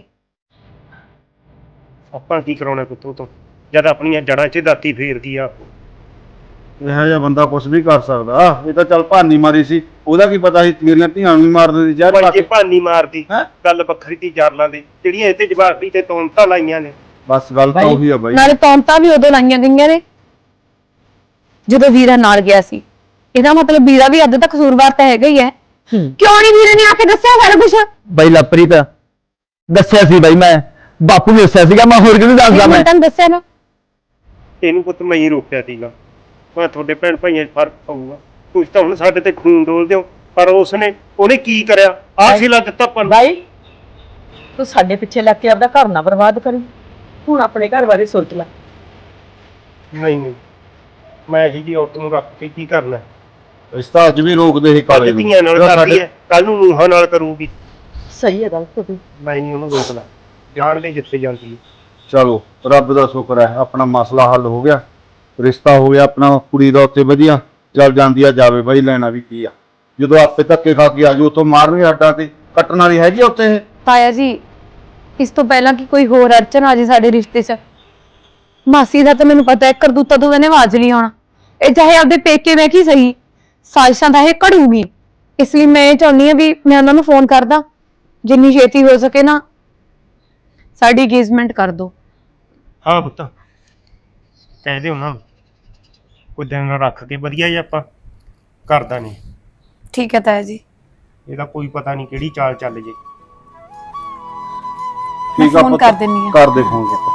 ਆਪਾਂ ਕੀ ਕਰਾਉਣਾ ਕੁੱਤੋਂ ਤੋਂ, ਜਦ ਆਪਣੀਆਂ ਜੜਾਂ 'ਚ ਦਾਤੀ ਫੇਰਦੀ ਆ।
ਇਹੋ ਜਿਹਾ ਬੰਦਾ ਕੁਝ ਵੀ ਕਰ ਸਕਦਾ। ਇਹ ਤਾਂ ਚੱਲ ਭਾਨੀ ਮਾਰੀ ਸੀ, ਉਹਦਾ ਕੀ ਪਤਾ ਸੀ ਮੇਰੀਆਂ ਧੀਆਂ ਨੂੰ ਵੀ ਮਾਰ ਦਿੰਦੀ ਜ਼ਹਿਰ ਪਾ
ਭਾਈ ਜੇ
ਕੇ।
ਭਾਨੀ ਮਾਰਦੀ
ਹੈਂ?
ਗੱਲ ਵੱਖਰੀ ਤੀ ਜਰਲਾਂ ਦੀ, ਜਿਹੜੀਆਂ ਇਹ ਤੇ ਜਵਾਬੀ ਤੇ ਤੋਮਤਾਂ ਲਾਈਆਂ ਨੇ।
ਬਸ ਗੱਲ ਤਾਂ ਉਹੀ ਆ ਬਾਈ।
ਨਾਲੇ ਤੌਮਤਾਂ ਵੀ ਉਦੋਂ ਲਾਈਆਂ ਗਈਆਂ ਨੇ ਜਦੋਂ ਵੀਰਾ ਨਾਲ ਗਿਆ ਸੀ। ਇਹਦਾ ਮਤਲਬ ਵੀਰਾ ਵੀ ਅੱਧ ਤੱਕ ਕਸੂਰਵਾਰ ਤਾਂ ਹੈਗਾ ਹੀ ਹੈ। ਕਿਉਂ ਨਹੀਂ ਵੀਰੇ ਨੇ ਆ ਕੇ ਦੱਸਿਆ ਸਾਰਾ ਕੁਝ?
ਬਾਈ ਲਵਪ੍ਰੀਤ ਦੱਸਿਆ ਸੀ ਬਾਈ, ਮੈਂ ਬਾਪੂ ਨੇ ਦੱਸਿਆ ਸੀਗਾ, ਮੈਂ ਹੋਰ ਕਿਹਨੂੰ ਦੱਸਦਾ। ਮੈਂ
ਤੈਨੂੰ ਦੱਸਿਆ ਨਾ,
ਇਹਨੂੰ ਪੁੱਤ ਮੈਂ ਹੀ ਰੋਕਿਆ ਸੀਗਾ। ਮੈਂ ਤੁਹਾਡੇ ਭੈਣ ਭਾਈਆਂ 'ਚ ਫਰਕ ਪਊਗਾ। ਤੁਸੀਂ ਤਾਂ ਹੁਣ ਸਾਡੇ ਤੇ ਖੂਨ ਡੋਲਦੇ ਹੋ, ਪਰ ਉਸਨੇ ਉਹਨੇ ਕੀ ਕਰਿਆ? ਆਹ ਸਿਲਾ ਦਿੱਤਾ ਪਰ
ਬਾਈ ਤੂੰ ਸਾਡੇ ਪਿੱਛੇ ਲੱਗ ਕੇ ਆਪਦਾ ਘਰ ਨਾ ਬਰਬਾਦ ਕਰੀ। ਹੁਣ ਆਪਣੇ ਘਰ ਬਾਰੇ ਸੋਚ ਲੈ।
ਨਹੀਂ ਨਹੀਂ, ਮੈਂ ਇਹੀ ਜੀ ਔਰਤ ਨੂੰ ਰੱਖ ਕੇ ਕੀ ਕਰਨਾ?
ਰਿਸ਼ਤਾ ਅੱਜ ਵੀ ਰੋਕਦੇ ਸੀ ਕਾਲੇ
ਅੱਜ
ਨੂੰ।
ਧੀਆਂ ਨਾਲ ਕਰਦੀ ਹੈ, ਕੱਲ ਨੂੰ ਨੂੰਹਾਂ ਨਾਲ ਕਰੂਗੀ।
ਸਹੀ ਹੈ ਗੱਲ ਤੂੰ।
ਮੈਂ ਨਹੀਂ ਉਹਨੂੰ ਰੋਕਦਾ, ਜਾਣ ਲਈ ਜਿੱਥੇ ਜਾਂਦੀ ਹੈ।
ਚਲੋ ਰੱਬ ਦਾ ਸ਼ੁਕਰ ਹੈ ਆਪਣਾ ਮਸਲਾ ਹੱਲ ਹੋ ਗਿਆ, ਰਿਸ਼ਤਾ ਹੋ ਗਿਆ ਆਪਣਾ ਕੁੜੀ ਦਾ ਉੱਤੇ ਵਧੀਆ। ਚੱਲ ਜਾਂਦੀ ਆ ਜਾਵੇ ਬਾਈ, ਲੈਣਾ ਵੀ ਕੀ ਆ। ਜਦੋਂ ਆਪੇ ਧੱਕੇ ਖਾ ਕੇ ਆਜੂ ਉਤੋਂ ਮਾਰਨਗੇ ਹੱਡਾਂ ਤੇ, ਕੱਟਣ ਵਾਲੀ ਹੈਗੀ ਆ ਉੱਥੇ ਇਹ।
ਤਾਇਆ ਜੀ ਇਸ ਤੋਂ ਪਹਿਲਾਂ ਕਿ ਕੋਈ ਹੋਰ ਅੜਚਨ ਆ ਜੇ ਸਾਡੇ ਰਿਸ਼ਤੇ 'ਚ, ਮਾਸੀ ਦਾ ਤਾਂ ਮੈਨੂੰ ਪਤਾ ਹੈ ਕਰਤੂਤਾ ਤੋਂ ਇਹਨੇ ਆਵਾਜ਼ ਨਹੀਂ ਆਉਣਾ। ਇਹ ਚਾਹੇ ਆਪਦੇ ਪੇਕੇ ਮੈਂ ਕੀ ਸਹੀ, ਸਾਜ਼ਿਸ਼ਾਂ ਦਾ ਇਹ ਘੜੂਗੀ। ਇਸ ਲਈ ਮੈਂ ਇਹ ਚਾਹੁੰਦੀ ਹਾਂ ਵੀ ਮੈਂ ਉਹਨਾਂ ਨੂੰ ਫੋਨ ਕਰਦਾ, ਜਿੰਨੀ ਛੇਤੀ ਹੋ ਸਕੇ ਨਾ ਸਾਡੀ ਇੰਗੇਜਮੈਂਟ ਕਰ ਦਿਓ।
ਹਾਂ ਪੁੱਤ, ਕਹਿ ਦੇ ਉਹਨਾਂ ਨੂੰ ਕੋਈ ਦਿਨ ਰੱਖ ਕੇ ਵਧੀਆ ਹੀ ਆਪਾਂ ਕਰਦਾ ਨਹੀਂ।
ਠੀਕ ਹੈ ਤਾਇਆ ਜੀ।
ਇਹਦਾ ਕੋਈ ਪਤਾ ਨਹੀਂ ਕਿਹੜੀ ਚਾਲ ਚੱਲ ਜੇ।
ਮੈਂ
ਠੀਕ ਆ
ਫੋਨ
ਪੁੱਤ,
ਕਰ ਦਿੰਨੀ ਆ।
ਕਰ ਦੇ ਫੋਨ ਪੁੱਤ।